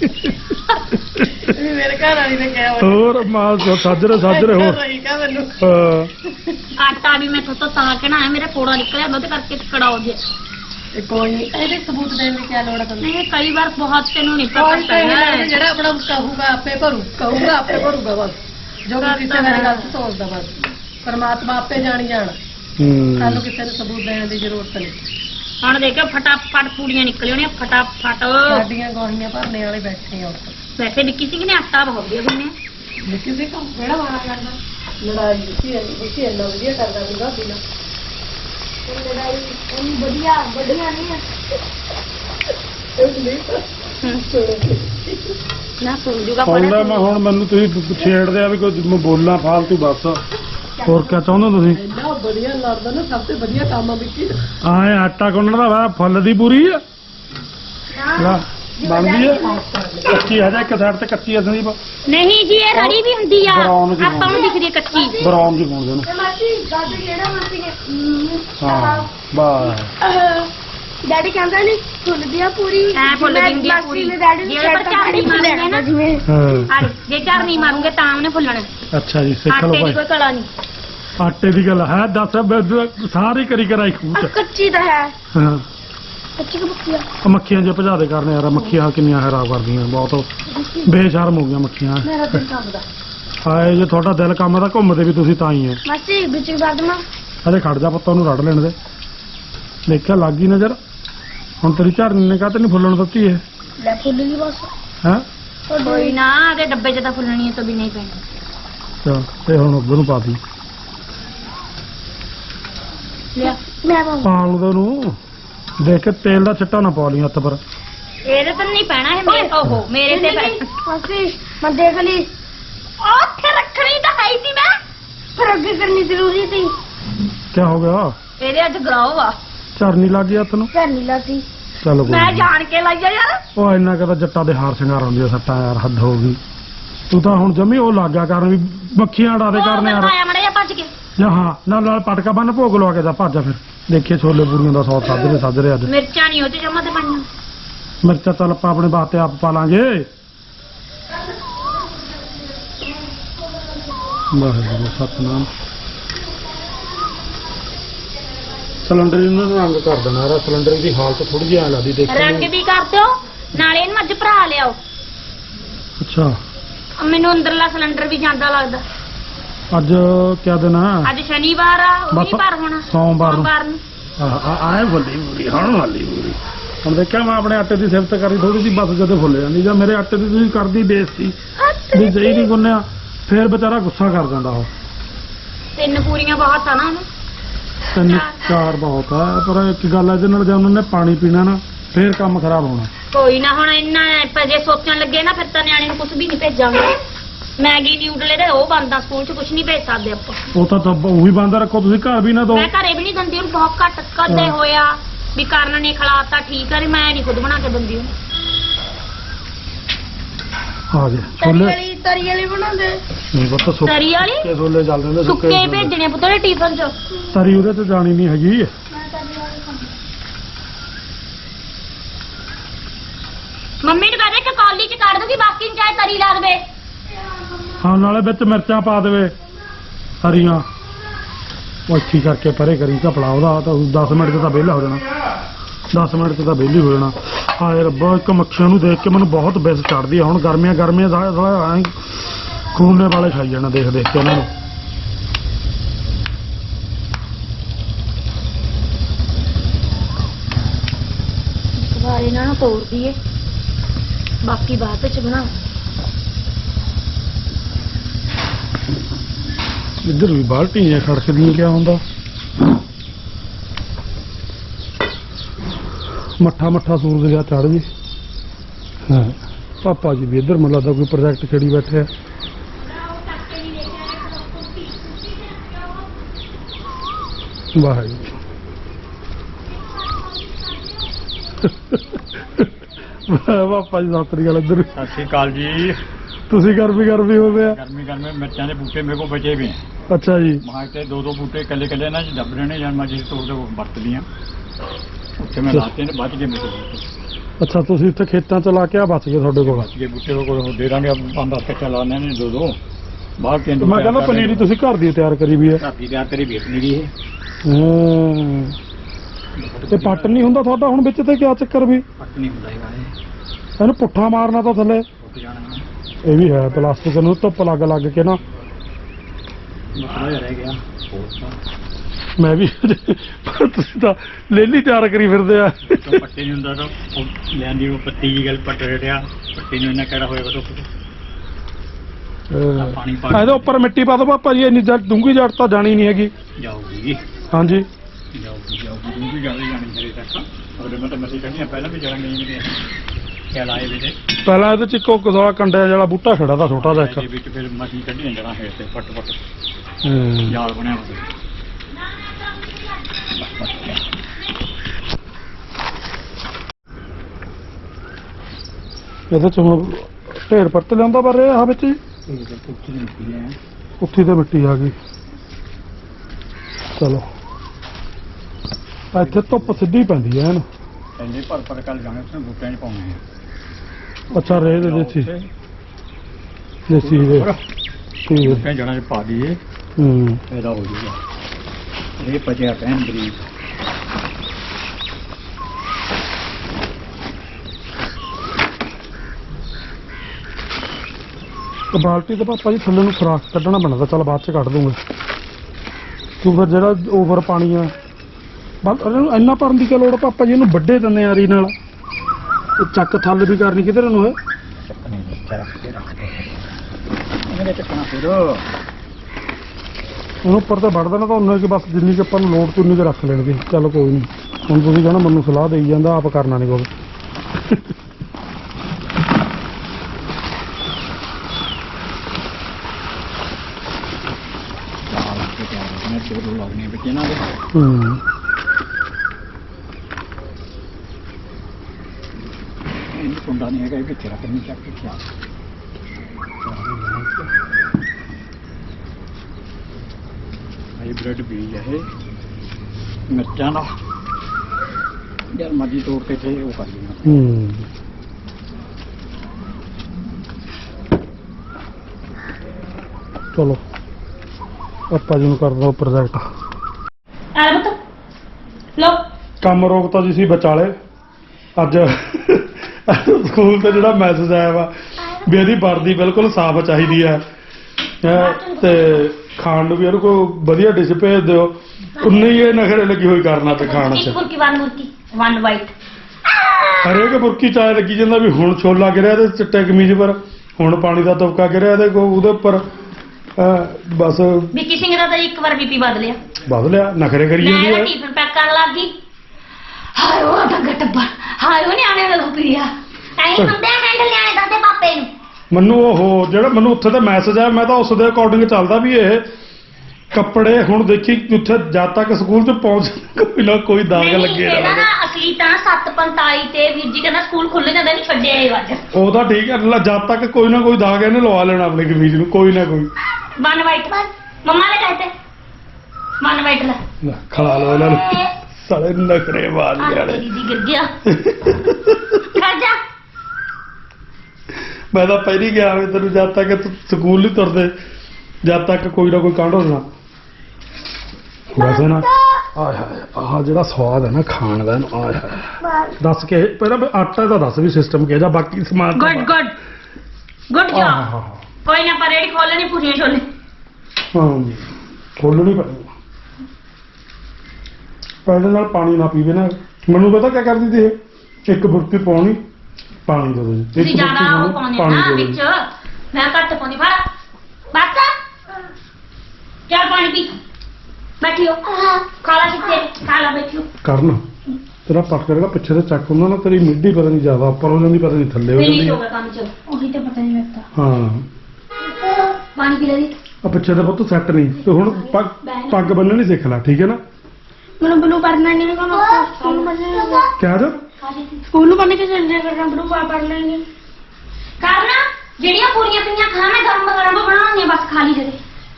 ਮੇਰੇ ਘਰ ਵਾਲੀ ਨੇ ਕਿਹਾ ਹੋਰ ਮਾਂ ਸਾਜਰੇ ਹੋਰ ਰਹੀ ਕਾ ਮੈਨੂੰ ਹਾਂ। ਆਟਾ ਵੀ ਮੈਂ ਤੋਂ ਤਾਂ ਕਹਿਣਾ ਹੈ ਮੇਰੇ ਫੋੜਾ ਨਿਕਲਿਆ ਉਹਦੇ ਕਰਕੇ ਕੜਾਓ ਜੇ ਇਹ ਕੋਈ ਨਹੀਂ ਇਹਦੇ ਸਬੂਤ ਦੇਣ ਦੀ ਕੀ ਲੋੜ ਹੈ ਤੁਹਾਨੂੰ ਨਹੀਂ ਕਈ ਵਾਰ ਬਹੁਤ ਤੈਨੂੰ ਨਹੀਂ ਕੋਈ ਪਤਾ ਨਹੀਂ ਜਿਹੜਾ ਆਪਣਾ ਕਹੂਗਾ ਆਪੇ ਭਰੂਗਾ ਬਸ ਜੋ ਵੀ ਕਿਸੇ ਮੇਰੇ ਗੱਲ ਸੋਚਦਾ ਬਸ ਪਰਮਾਤਮਾ ਆਪੇ ਜਾਣੀ ਜਾਣ ਸਾਨੂੰ ਕਿਸੇ ਨੂੰ ਸਬੂਤ ਦੇਣ ਦੀ ਜ਼ਰੂਰਤ ਨਹੀਂ। ਹੁਣ ਦੇਖੋ ਫਟਾਫਟ ਪੂੜੀਆਂ ਨਿਕਲ ਆਉਣੀਆਂ ਫਟਾਫਟ। ਸਾਡੀਆਂ ਗੋਹੀਆਂ ਭਰਨੇ ਵਾਲੇ ਬੈਠੇ ਆ ਉੱਥੇ। ਵੈਸੇ ਵਿੱਕੀ ਸਿੰਘ ਨੇ ਆਟਾ ਬਹੁਤ ਵਧੀਆ ਗੁੰਨਿਆ। ਨਿੱਕੀ ਦੇ ਕੰਮ ਕਿਹੜਾ ਮਾਰਾ ਕਰਦਾ ਲੜਾਈ ਦਿੱਤੀ ਇੰਨਾ ਵਧੀਆ ਕਰਦਾ ਸੀਗਾ ਬਿਨਾ ਲੜਾਈ ਉਹਨੂੰ ਵਧੀਆ ਵਧੀਆ ਨਹੀਂ ਹੈ। ਨਾ ਸੁਣ ਜੂਗਾ ਆਉਂਦਾ ਮੈਂ ਹੁਣ ਮੈਨੂੰ ਤੁਸੀਂ ਛੇੜਦੇ ਆ ਵੀ ਕੋਈ ਮੈਂ ਬੋਲਾਂ ਫਾਲਤੂ ਬਸ। ਹੋਰ ਕਿਆ ਚਾਹੁੰਦੇ ਤੁਸੀਂ? ਇੰਨਾ ਵਧੀਆ ਲੜਦਾ ਨਾ, ਸਭ ਤੋਂ ਵਧੀਆ ਕੰਮ ਆ ਵਿੱਕੀ ਦਾ। ਆਏ ਆਟਾ ਗੁੰਨਣ ਦਾ ਵਾ ਫੁੱਲ ਦੀ ਪੂਰੀ ਆ ਲੈ, ਬਣਦੀ ਆ ਕੱਚੀ ਆ ਜਾ ਇੱਕ ਸਾਈਡ ਤੇ ਕੱਚੀ ਆ ਸੰਦੀਪ। ਨਹੀਂ ਜੀ ਇਹ ਹਰੀ ਵੀ ਹੁੰਦੀ ਆ, ਬਰਾਊਨ ਜਿਹੀ ਆਪਾਂ ਨੂੰ ਦਿਖਦੀ ਆ ਕੱਚੀ। ਬਰਾਉਨ ਜੀ ਪਾਉਂਦੇ ਨੇ। ਤੇ ਮਾਸੀ ਦਾਦੀ ਕਿਹੜਾ ਮਾਸੀ ਨੇ ਹਾਂ ਬਸ ਡੈਡੀ ਕਹਿੰਦਾ ਨਹੀਂ ਫੁੱਲਦੀ ਆ ਪੂਰੀ। ਐ ਫੁੱਲ ਜਿਵੇਂ ਦਿੰਦੀ ਆ ਮਾਸੀ ਪੂਰੀ। ਨੇ ਡੈਡੀ ਨੂੰ ਜੇ ਛੱਡ ਆਪਾਂ ਝਾੜੀ ਕੇ ਮਾਰਾਂਗੇ ਨਾ, ਜਿਵੇਂ ਹਾਂ ਜੇ ਝਾੜਨੀ ਮਾਰੂਗੇ ਤਾਂ ਉਹਨੇ ਫੁੱਲਣਾ। ਅੱਛਾ ਜੀ ਸਿੱਖ ਆਟੇ ਲਓ ਦੀ ਭਾਈ। ਕੋਈ ਕਲਾ ਨਹੀਂ। ਆਟੇ ਦੀ ਗੱਲ ਹੈ ਦੱਸ ਸਾਰੀ ਕਰੀ ਕਰਾਈ ਖੂਚ। ਕੱਚੀ ਤਾਂ ਹੈ, ਹਾਂ ਕੱਚੀ ਕੁੱਤੀ ਆ। ਉਹ ਮੱਖੀਆਂ ਜੇ ਭਜਾ ਦੇ ਕਰਨੇ ਯਾਰ, ਮੱਖੀਆਂ ਕਿੰਨੀਆਂ ਖਰਾਬ ਕਰਦੀਆਂ, ਬਹੁਤ ਬੇਸ਼ਰਮ ਹੋ ਗਈਆਂ ਮੱਖੀਆਂ। ਮੇਰਾ ਦਿਲ ਕੰਬਦਾ। ਹਾਏ ਜੇ ਤੁਹਾਡਾ ਦਿਲ ਕੰਮ ਦਾ ਘੁੰਮਦੇ ਵੀ ਤੁਸੀਂ ਤਾਂ ਹੀ ਹੈ। ਮਾਸੀ ਵਿੱਚ ਬਾਦਮਾ ਹਲੇ ਖੜ ਜਾ ਪੁੱਤਾਂ ਨੂੰ ਰੜ ਲੈਣ ਦੇ। ਦੇਖਿਆ ਲੱਗ ਗਈ ਨਜ਼ਰ। ਹੁਣ ਤੇਰੀ ਝਰਨੀ ਨੇ ਕਾਹਤੇ ਨਹੀਂ ਫੁੱਲਣ ਦਿੱਤੀ ਇਹ ਲੈ ਫੁੱਲ ਗਈ ਬਸ। ਹੈ ਕੋਈ ਨਾ ਇਹਦੇ ਡੱਬੇ 'ਚ ਤਾਂ ਫੁੱਲਣੀ ਹੈ ਤਾਂ ਵੀ ਨਹੀਂ ਪੈਣੀ। ਚਲ ਤੇ ਹੁਣ ਉੱਧਰ ਨੂੰ ਪਾ ਦੀ ਲਿਆ ਮੈਂ ਪਾਉਂ ਪਾਉਣ ਦੇ ਨੂੰ ਦੇਖ ਕੇ ਤੇਲ ਦਾ ਛਿੱਟਾ ਨਾ ਪਾ ਲਈ ਹੱਥ ਪਰ। ਇਹਦੇ ਤਾਂ ਨਹੀਂ ਪੈਣਾ ਇਹ ਮੇਰੇ ਓਹੋ ਮੇਰੇ ਤੇ ਪੈ। ਮਾਸੀ ਮੈਂ ਦੇਖ ਲਈ ਉੱਥੇ ਰੱਖਣੀ ਤਾਂ ਹੈ ਹੀ ਸੀ ਮੈਂ। ਫਿਰ ਅੱਗੇ ਕਰਨੀ ਜ਼ਰੂਰੀ ਸੀ। ਕੀ ਹੋ ਗਿਆ? ਇਹਦੇ ਅੱਜ ਗਰਾਓ ਆ। ਝਰਨੀ ਲੱਗ ਗਈ ਹੱਥ ਨੂੰ। ਧਰਨੀ ਲਾਤੀ। ਚਲੋ ਕੋਈ ਮੈਂ ਨੀ। ਜਾਣ ਕੇ ਲਾਈਆ ਯਾਰ। ਉਹ ਇੰਨਾ ਕਦਾ ਜੱਟਾਂ ਦੇ ਹਾਰ ਸ਼ਿੰਗਾਰ ਹੁੰਦੀ ਆ ਸੱਟਾਂ ਯਾਰ, ਹੱਦ ਹੋ ਗਈ। ਤੂੰ ਤਾਂ ਹੁਣ ਜਮੀ ਉਹ ਲੱਗ ਗਿਆ ਕਰਨ ਵੀ ਮੱਖੀਆਂ ਉਡਾ ਦੇ ਕਰਨ ਯਾਰ। ਆਇਆ ਮੜਾ ਜਾ ਭੱਜ ਕੇ। ਜਾਂ ਹਾਂ ਨਾਲ ਪਟਕਾ ਬੰਨ ਭੋਗ ਲਵਾ ਕੇ ਜਾ ਭੱਜ ਜਾ ਫਿਰ। ਦੇਖੀਏ ਛੋਲੇ ਪੂਰੀਆਂ ਦਾ ਸੌਦ ਸੱਜ ਰਹੇ ਅੱਜ। ਮਿਰਚਾਂ ਨਹੀਂ ਉਹਦੇ ਜਮਾ ਤੇ ਪਾਈਆਂ। ਮਿਰਚਾਂ ਚੱਲ ਆਪਾਂ ਆਪਣੇ ਵਾਸਤੇ ਆਪ ਪਾ ਲਾਂਗੇ। ਵਾਹਿਗੁਰੂ ਸਤਨਾਮ। ਸਿਲੰਡਰ ਨੂੰ ਰੰਗ ਕਰ ਦੇਣਾ ਯਾਰ, ਸਿਲੰਡਰ ਦੀ ਹਾਲਤ ਥੋੜੀ ਜਿਹੀ ਐ ਲੱਗਦੀ ਦੇਖ ਰੰਗ ਵੀ ਕਰ ਦਿਓ ਨਾਲੇ ਇਹਨੂੰ ਅੱਜ ਭਰਾ ਲਿਆਓ। ਅੱਛਾ ਮੈਨੂੰ ਅੰਦਰਲਾ ਸਿਲੰਡਰ ਵੀ ਜਾਂਦਾ ਲੱਗਦਾ। ਅੱਜ ਕਿਆ ਦਿਨ ਆ? ਅੱਜ ਸ਼ਨੀਵਾਰ ਆ, ਉਹ ਵੀ ਬਸ ਭਰ ਹੋਣਾ ਸੋਮਵਾਰ ਨੂੰ। ਨੂੰ। ਆਏ ਬੱਲੀ ਬੁਰੀ ਹੁਣ ਵਾਲੀ ਬੁਰੀ। ਹੁਣ ਦੇਖਿਆ ਮੈਂ ਆਪਣੇ ਆਟੇ ਦੀ ਸਿਫਤ ਕਰੀ ਥੋੜੀ ਜਿਹੀ, ਬਸ ਜਦੋਂ ਫੁੱਲ ਜਾਂਦੀ। ਜਾਂ ਮੇਰੇ ਆਟੇ ਦੀ ਤੁਸੀਂ ਕਰਦੀ ਬੇਇੱਜ਼ਤੀ ਵੀ ਸਹੀ ਨਹੀਂ ਗੁੰਨਿਆ, ਫੇਰ ਵਿਚਾਰਾ ਗੁੱਸਾ ਕਰ ਜਾਂਦਾ ਉਹ। 3 ਪੂਰੀਆਂ ਬਹੁਤ ਆ ਨਾ ਉਹਨੂੰ। 3-4 ਬਹੁਤ ਆ, ਪਰ ਇੱਕ ਗੱਲ ਹੈ, ਇਹਦੇ ਨਾਲ ਜੇ ਉਹਨਾਂ ਨੇ ਪਾਣੀ ਪੀਣਾ ਨਾ ਫੇਰ ਕੰਮ ਖਰਾਬ ਹੋਣਾ। ਕੋਈ ਨਾ ਹੁਣ ਇੰਨਾ ਜੇ ਸੋਚਣ ਲੱਗੇ ਨਾ ਫਿਰ ਤਾਂ ਨਿਆਣੇ ਨੂੰ ਕੁਝ ਵੀ ਨਹੀਂ ਭੇਜਾਂਗੇ। ਮੈਗੀ ਨਿਊਡਲ ਦੇ ਉਹ ਬੰਦਾ ਸਕੂਲ 'ਚ ਕੁਝ ਨਹੀਂ ਭੇਜ ਸਕਦੇ ਆਪਾਂ। ਉਹ ਤਾਂ ਉਹੀ ਬੰਦ ਰੱਖੋ, ਤੁਸੀਂ ਘਰ ਵੀ ਨਾ ਦੋ। ਮੈਂ ਘਰੇ ਵੀ ਨਹੀਂ ਦਿੰਦੀ ਉਹਨੂੰ, ਬਹੁਤ ਘੱਟ ਕਦੇ ਹੋਇਆ ਵੀ ਕਰਨ ਨੇ ਖਿਲਾਤਾ ਠੀਕ ਆ, ਮੈਂ ਨਹੀਂ ਖੁਦ ਬਣਾ ਕੇ ਦਿੰਦੀ ਉਹਨੂੰ। ਆ ਗਏ ਛੋਲੇ। ਤਰੀ ਵਾਲੀ ਬਣਾਉਂਦੇ। ਨਹੀਂ ਪਤਾ ਸੁੱਕੇ ਤਰੀ ਵਾਲੀ ਛੋਲੇ ਚੱਲਦੇ ਨੇ ਸੁੱਕੇ ਹੀ ਛੋਲੇ। ਭੇਜਣੇ ਪੁੱਤਰੇ ਟਿਫਨ 'ਚ। ਤਰੀ ਉਹਦੇ ਤੇ ਜਾਣੀ ਨਹੀਂ ਹੈਗੀ। ਮੰਮੀ ਨੂੰ ਕਹਦੇ ਕਿ ਕੌਲੀ 'ਚ ਕੱਢ ਦੂਗੀ, ਬਾਕੀ ਨੂੰ ਚਾਹੇ ਤਰੀ ਲਾ ਦੇਵੇ। ਹਾਂ ਨਾਲੇ ਵਿੱਚ ਮਿਰਚਾਂ ਪਾ ਦੇਵੇ ਹਰੀਆਂ। ਉਹ ਇੱਥੇ ਕਰਕੇ ਪਰੇ ਕਰੀ ਘਪਲਾ ਉਹਦਾ ਤਾਂ 10 ਮਿੰਟ 'ਚ ਤਾਂ ਵਿਹਲਾ ਹੋ ਜਾਣਾ। 10 ਮਿੰਟ 'ਚ ਤਾਂ ਵਿਹਲੀ ਹੋ ਜਾਣਾ। ਹਾਏ ਰੱਬਾ ਇੱਕ ਮੱਖੀਆਂ ਨੂੰ ਦੇਖ ਕੇ ਮੈਨੂੰ ਬਹੁਤ ਬਿਸ ਚੜਦੀ ਆ। ਹੁਣ ਗਰਮੀਆਂ ਐਂ ਖੂਨੇ ਵਾਲੇ ਖਾਈ ਜਾਣਾ ਦੇਖ ਦੇਖ ਕੇ ਇਹਨਾਂ ਨੂੰ। ਇੱਕ ਵਾਰ ਇਹਨਾਂ ਨੂੰ ਤੋੜ ਦਈਏ, ਬਾਕੀ ਬਾਅਦ ਵਿੱਚ ਬਣਾ। ਇੱਧਰ ਵੀ ਬਾਲਟੀਆਂ ਖੜਕਦੀਆਂ, ਕਿਆ ਹੁੰਦਾ? ਮੱਠਾ ਮੱਠਾ ਸੂਰਜ ਜਿਹਾ ਚੜ ਜੀ। ਹਾਂ ਪਾਪਾ ਜੀ ਵੀ ਇੱਧਰ ਮੈਨੂੰ ਲੱਗਦਾ ਕੋਈ ਪ੍ਰੋਜੈਕਟ ਛੇੜੀ ਬੈਠੇ ਆ। ਵਾਹਿਗੁਰੂ ਪਾਪਾ ਜੀ ਸਤਿ ਸ੍ਰੀ ਅਕਾਲ। ਇੱਧਰ ਸਤਿ ਸ਼੍ਰੀ ਅਕਾਲ ਜੀ। ਤੁਸੀਂ ਗਰਮੀ ਹੋ ਗਿਆ। ਗਰਮੀ ਮਿਰਚਾਂ ਦੇ ਬੂਟੇ ਮੇਰੇ ਕੋਲ ਬਚੇ ਵੀ ਹੈ। ਅੱਛਾ ਜੀ। ਮਾਂ ਤੇ 2 ਬੂਟੇ ਇਕੱਲੇ ਨਾ ਦੱਬ ਰਹੇ ਨੇ, ਜਾਂ ਮੈਂ ਜਿਸ ਤੋੜ ਦੇ ਵਰਤਦੀਆਂ ਉੱਥੇ ਮੈਂ ਲਾਤੇ ਨੇ, ਬਚ ਗਏ ਮੇਰੇ ਕੋਲ। ਅੱਛਾ ਤੁਸੀਂ ਇੱਥੇ ਖੇਤਾਂ ਚ ਲਾ ਕੇ ਆ ਬਚ ਗਏ ਤੁਹਾਡੇ ਕੋਲ। ਬਚ ਗਏ ਬੂਟੇ ਕੋਲ ਦੇ ਦਾਂਗੇ 5-10 ਕੱਚਾ ਲਾਣੇ ਨੇ 2 ਬਾਹਰ ਪਿੰਡ। ਮੈਂ ਕਹਿੰਦਾ ਪਨੀਰੀ ਤੁਸੀਂ ਘਰ ਦੀ ਤਿਆਰ ਕਰੀ ਵੀ ਹੈ। ਘਰ ਦੀ ਤਿਆਰ ਕਰੀ ਵੀ ਪਨੀਰੀ ਇਹ। ਤੇ ਪੱਟ ਨਹੀਂ ਹੁੰਦਾ ਤੁਹਾਡਾ ਹੁਣ ਵਿੱਚ ਤੇ ਕਿਆ ਚੱਕਰ ਵੀ? ਪੱਟ ਨਹੀਂ ਹੁੰਦਾ ਹੈਗਾ ਇਹ, ਇਹਨੂੰ ਪੁੱਠਾ ਮਾਰਨਾ ਤਾਂ ਥੱਲੇ। ਟੁੱਟ ਜਾਣਾ ਇਹ ਵੀ ਹੈ ਪਲਾਸਟਿਕ ਨੂੰ ਧੁੱਪ ਲੱਗ ਕੇ ਨਾ। ਮਸਲਾ ਰਹਿ ਗਿਆ ਹੋਰ ਤਾਂ ਮੈਂ ਵੀ ਪਰ ਤੁਸੀਂ ਤਾਂ ਲੇਲੀ ਤਿਆਰ ਕਰੀ ਫਿਰਦੇ ਆ ਤੋਂ ਪੱਟੀ ਨਹੀਂ ਹੁੰਦਾ ਤਾਂ ਉਹ ਲੈਂਦੀ ਉਹ ਪੱਤੀ ਜੀ ਗੱਲ ਪੱਟ ਰਿਹਾ ਪੱਟੀ ਨੂੰ ਇਹਨਾਂ ਕਿਹੜਾ ਹੋਏਗਾ ਤੋਂ ਪਾਣੀ ਪਾ ਇਹਦੇ ਉੱਪਰ ਮਿੱਟੀ ਪਾ ਦੋ ਪਾਪਾ ਜੀ, ਇੰਨੀ ਡੂੰਘੀ ਜੜ ਤਾਂ ਜਾਣੀ ਨਹੀਂ ਹੈਗੀ। ਜਾਊਗੀ ਹਾਂਜੀ ਜਾਊਗੀ ਵੀ ਜਾਣੀ ਮੇਰੇ ਤੱਕ ਉਹਦੇ ਮੈਂ ਤਾਂ ਮਸੀਂ ਕਹਿੰਦੀ ਪਹਿਲਾਂ ਵੀ ਜਾਣਾ ਨਹੀਂ ਮੇਰੇ ਕਿਆ ਲਾਏ ਵੀ ਨੇ ਪਹਿਲਾਂ ਇਹਦੇ ਚ ਇੱਕੋ ਗਜ਼ਾ ਕੰਡਿਆ ਜਿਹੜਾ ਬੂਟਾ ਖੜਾ ਤਾਂ ਛੋਟਾ ਜਿਹਾ ਇਹਦੇ ਇੱਕ ਵਿੱਚ ਫਿਰ ਮਸੀਂ ਕੱਢੀਆਂ ਜਣਾ ਹੈ ਤੇ ਫਟ ਹੂੰ। ਜਾਲ ਬਣਿਆ ਹੋਇਆ ਇਹਦੇ ਚ ਹੁਣ ਢੇਰ ਪੱਟ ਲਿਆਉਂਦਾ ਪਰ ਇਹ ਆ ਵਿੱਚ ਹੀ ਇਹ ਤਾਂ ਪੁੱਛੀ ਨਹੀਂ ਹੈ ਉੱਥੀ ਤੇ ਮਿੱਟੀ ਆ ਗਈ। ਚਲੋ ਇੱਥੇ ਧੁੱਪ ਸਿੱਧੀ ਪੈਂਦੀ ਹੈ ਨਾ। ਇੰਨੇ ਪਰ ਕੱਲ ਜਾਣੇ ਉਸ ਨੂੰ ਬੂਟਿਆਂ 'ਚ ਪਾਉਣੇ ਆ ਅੱਛਾ ਰੇ ਦੇ ਦੇਸੀ ਦੇਸੀ ਦੇ ਠੀਕ ਹੈ। ਬੂਟਿਆਂ ਜੜਾਂ 'ਚ ਪਾ ਦਈਏ ਹੂੰ ਫਾਇਦਾ ਹੋ ਜਾਊਗਾ ਇਹ ਪਚਿਆ ਪੈਣ ਬਰੀਕ ਤੇ ਬਾਲਟੀ ਤੇ ਪਾਪਾ ਜੀ ਥੱਲੇ ਨੂੰ ਖਰਾਕ ਕੱਢਣਾ ਬਣਦਾ, ਚੱਲ ਬਾਅਦ ਚ ਕੱਢ ਦੂੰਗੇ ਕਿਉਂ ਫਿਰ ਜਿਹੜਾ ਓਵਰ ਪਾਣੀ ਆ ਬਸ ਇਹਨੂੰ ਇੰਨਾ ਭਰਨ ਦੀ ਕੀ ਲੋੜ ਆ ਪਾਪਾ ਜੀ, ਇਹਨੂੰ ਵੱਡੇ ਦਿੰਦੇ ਆ ਰੀ ਨਾਲ ਇਹ ਚੱਕ ਥੱਲ ਵੀ ਕਰਨੀ ਕਿਧਰ ਨੂੰ ਹੈ ਚੱਕਣੇ ਰੱਖ ਕੇ ਰੱਖਦੇ ਇਹਨੇ ਚੱਕਣਾ ਫਿਰ ਉਹਨੂੰ ਉੱਪਰ ਤੇ ਵੜ ਦੇਣਾ ਤਾਂ ਉਹਨੇ ਕਿ ਬਸ ਜਿੰਨੀ ਕਿ ਆਪਾਂ ਨੂੰ ਲੋੜ ਤੋਂ ਉਨੀ ਕੁ ਰੱਖ ਲੈਣਗੇ। ਚੱਲ ਕੋਈ ਨਹੀਂ, ਹੁਣ ਤੁਸੀਂ ਕਹਿਣਾ ਮੈਨੂੰ ਸਲਾਹ ਦੇਈ ਜਾਂਦਾ, ਆਪ ਕਰਨਾ ਨਹੀਂ ਕੁਝ। ਦੋ ਲੱਗਣੇ ਵਿੱਚ ਇਹਨਾਂ ਦੇ ਹੂੰ ਇਹਨੂੰ ਕੁੰਡਾ ਨਹੀਂ ਹੈਗਾ ਇਹ ਵਿੱਚ ਰੱਖਣੀ ਚੱਕ ਕੇ ਖਿਆ ਹਾਈਬ੍ਰਿਡ ਬੀਜ ਹੈ ਇਹ ਮਿਰਚਾਂ ਦਾ ਯਾਰ ਮੱਜੀ ਤੋੜ ਕੇ ਤੇ ਉਹ ਕਰ ਲੈਣਾ ਹੂੰ ਚਲੋ ਆਪਾਂ ਜੀ ਨੂੰ ਕਰਦਾ ਪ੍ਰੋਜੈਕਟ ਆ ਲੈ ਪੁੱਤ ਲੋ ਕੰਮ ਰੋਕਤਾ ਜੀ ਸੀ ਵਿਚਾਲੇ। ਅੱਜ ਸਕੂਲ ਤੇ ਜਿਹੜਾ ਮੈਸੇਜ ਆਇਆ ਵਾ ਵੀ ਇਹਦੀ ਵਰਦੀ ਬਿਲਕੁਲ ਸਾਫ਼ ਚਾਹੀਦੀ ਹੈ ਤੇ ਖਾਣ ਨੂੰ ਵੀ ਇਹਨੂੰ ਕੋਈ ਵਧੀਆ ਡਿਸ਼ ਭੇਜ ਦਿਓ। ਉਨੀ ਹੀ ਇਹ ਨਖਰੇ ਲੱਗੀ ਹੋਈ ਕਰਨਾ ਤੇ ਖਾਣ ਇੱਕ 'ਚ ਮੁਰਕੀ ਵਨ ਵਾਈਟ ਹਰੇਕ ਬੁਰਕੀ ਚਾਏ ਲੱਗੀ ਜਾਂਦਾ ਵੀ ਹੁਣ ਛੋਲਾ ਗਿਰਿਆ ਤੇ ਚਿੱਟੇ ਕਮੀਜ਼ ਪਰ, ਹੁਣ ਪਾਣੀ ਦਾ ਤੁਪਕਾ ਗਿਰਿਆ ਇਹਦੇ ਉਹਦੇ ਉੱਪਰ ਬਸ ਵਿੱਕੀ ਸਿੰਘ ਦਾ ਤਾਂ ਇੱਕ ਵਾਰ ਬੀਪੀ ਵੱਧ ਲਿਆ। ਵੱਧ ਲਿਆ ਨਖਰੇ ਕਰੀ ਮੈਂ ਜਾਂਦੀ ਇਹਦਾ ਹੈ। ਟਿਫਨ ਪੈਕ ਕਰਨ ਲੱਗ ਗਈ। ਹਾਏ ਉਹ ਡੰਗਾ ਟੱਬਰ, ਹਾਏ ਉਹ ਨਿਆਣੇ ਦਾ ਲੋਪੀਆ ਐਂ ਹੁੰਦੇ ਹੈਂਡਲ ਨਿਆਣੇ ਦਾ ਤੇ ਪਾਪੇ ਨੂੰ। ਮੈਨੂੰ ਉਹ ਜਿਹੜਾ ਮੈਨੂੰ ਉੱਥੇ ਦਾ ਮੈਸੇਜ ਆਇਆ ਮੈਂ ਤਾਂ ਉਸ ਦੇ ਅਕੋਰਡਿੰਗ ਚੱਲਦਾ ਵੀ ਇਹ ਕੱਪੜੇ ਹੁਣ ਦੇਖੀ ਉੱਥੇ ਜਦ ਤੱਕ ਸਕੂਲ 'ਚ ਪਹੁੰਚ ਕੋਈ ਨਾ ਕੋਈ ਦਾਗ ਨਹੀਂ, ਲੱਗੇ ਇਹਦਾ ਰਹਿਣਾ। ਨਾ ਅਸਲੀ ਤਾਂ 7:45 ਤੇ ਵੀਰ ਜੀ ਕਹਿੰਦਾ ਸਕੂਲ ਖੁੱਲ ਜਾਂਦਾ ਇਹਨੂੰ ਛੱਡਿਆ ਇਹ ਅੱਜ ਉਹ ਤਾਂ ਠੀਕ ਹੈ ਜਦ ਤੱਕ ਕੋਈ ਨਾ ਕੋਈ ਦਾਗ ਇਹਨੇ ਲਵਾ ਲੈਣਾ ਆਪਣੀ ਕਮੀਜ਼ ਨੂੰ ਕੋਈ ਨਾ ਕੋਈ। ਵਨ ਵਾਈਟ ਮੰਮਾ ਨੇ ਕਹਤੇ ਵਨ ਵਾਈਟ ਲੈ ਲੈ, ਖਾ ਲਓ ਇਹਨਾਂ ਨੂੰ ਸਾਲੇ ਨਖਰੇ ਬਾਜ਼ ਆ ਵਾਲੇ। ਤੇਰੀ ਦੀ ਗਿਰ ਗਿਆ ਖੜ ਜਾ। ਮੈਂ ਤਾਂ ਪਹਿਲੀ ਗਿਆ ਵੀ ਤੈਨੂੰ ਜਦ ਤੱਕ ਤੂੰ ਸਕੂਲ ਨਹੀਂ ਤੁਰਦੇ ਜਦ ਤੱਕ ਕੋਈ ਨਾ ਕੋਈ ਕਾਂਡ ਹੋਣਾ। ਵੈਸੇ ਨਾ ਆਏ ਹਾਏ ਆਹ ਜਿਹੜਾ ਸਵਾਦ ਹੈ ਨਾ ਖਾਣ ਦਾ ਇਹਨੂੰ ਆਏ ਹਾਏ ਦੱਸ ਕੇ ਪਹਿਲਾਂ ਵੀ ਆਟਾ ਦਾ ਦੱਸ ਵੀ ਸਿਸਟਮ ਕਿਹਾ ਜਾਂ ਬਾਕੀ ਸਮਾਨ ਤਾਂ ਗੁੱਡ ਗੁੱਡ ਗੁੱਡ ਹਾਂ ਹਾਂ ਜੌਬ। ਹਾਂ ਕੋਈ ਨਾ ਪਰ ਰੇੜੀ ਖੋਲਣੀ ਪੂਰੀਆਂ ਛੋਲੇ ਹਾਂ ਖੋਲਣੀ ਪੈਣੀ ਪਹਿਲੇ ਨਾਲ ਪਾਣੀ ਨਾ ਪੀਵੇ ਨਾ। ਮੈਨੂੰ ਪਤਾ ਕੀ ਕਰਦੀ ਸੀ ਇਹ ਇੱਕ ਬੁਰਕੀ ਪਾਉਣੀ ਪਾਣੀ ਦੇ ਦੋ ਤੁਸੀਂ ਜ਼ਿਆਦਾ ਉਹ ਪਾਉਂਦੇ ਨਾ ਵਿੱਚ ਮੈਂ ਘੱਟ ਪਾਉਂਦੀ ਫੜ ਬਸ ਚੱਲ ਪਾਣੀ ਪੀ ਬੈਠਿਓ ਖਾਲਾ ਕਿੱਥੇ ਖਾਲਾ ਬੈਠਿਓ ਕਰਨ ਤੇਰਾ ਪੱਟ ਕਰੇਗਾ ਪਿੱਛੇ ਤੇ ਚੱਕ ਹੁੰਦਾ ਨਾ ਤੇਰੀ ਮਿੱਡੀ ਪਤਾ ਨਹੀਂ ਜ਼ਿਆਦਾ ਉੱਪਰ ਹੋ ਜਾਂਦੀ ਪਤਾ ਨਹੀਂ ਥੱਲੇ ਹੋ ਜਾਂਦੀ ਫਿਨਿਸ਼ ਹੋ ਹੈ। ਗਿਆ ਕੰਮ ਚ ਉਹੀ ਤਾਂ ਪਤਾ ਨਹੀਂ ਲੱਗਦਾ। ਹਾਂ ਪਾਣੀ ਪੀ ਲੈ ਦੀ ਆ ਪਿੱਛੇ ਤੇ ਬਹੁਤ ਸੈੱਟ ਨਹੀਂ ਤੇ ਹੁਣ ਪੱਗ ਬੰਨਣੀ ਸਿੱਖ ਲੈ ਠੀਕ ਹੈ ਨਾ। ਮੈਨੂੰ ਬਲੂ ਪੜਨਾ ਨਹੀਂ ਕੰਮ ਸਕੂਲ ਨੂੰ ਪੜਨਾ ਕਿਆ ਜਾ ਸਕੂਲ ਨੂੰ ਪੜਨੇ ਕੇ ਚੱਲ ਜਾ ਕਰਨਾ ਬਲੂ ਪੜਨਾ ਨਹੀਂ ਕਰਨਾ ਜਿਹੜੀਆਂ ਪੂਰੀਆਂ ਪਈਆਂ ਖਾਣਾ ਗਰਮ ਗਰਮ ਬਣਾਉਣੀਆਂ ਬਸ ਖਾਲੀ ਜਦੇ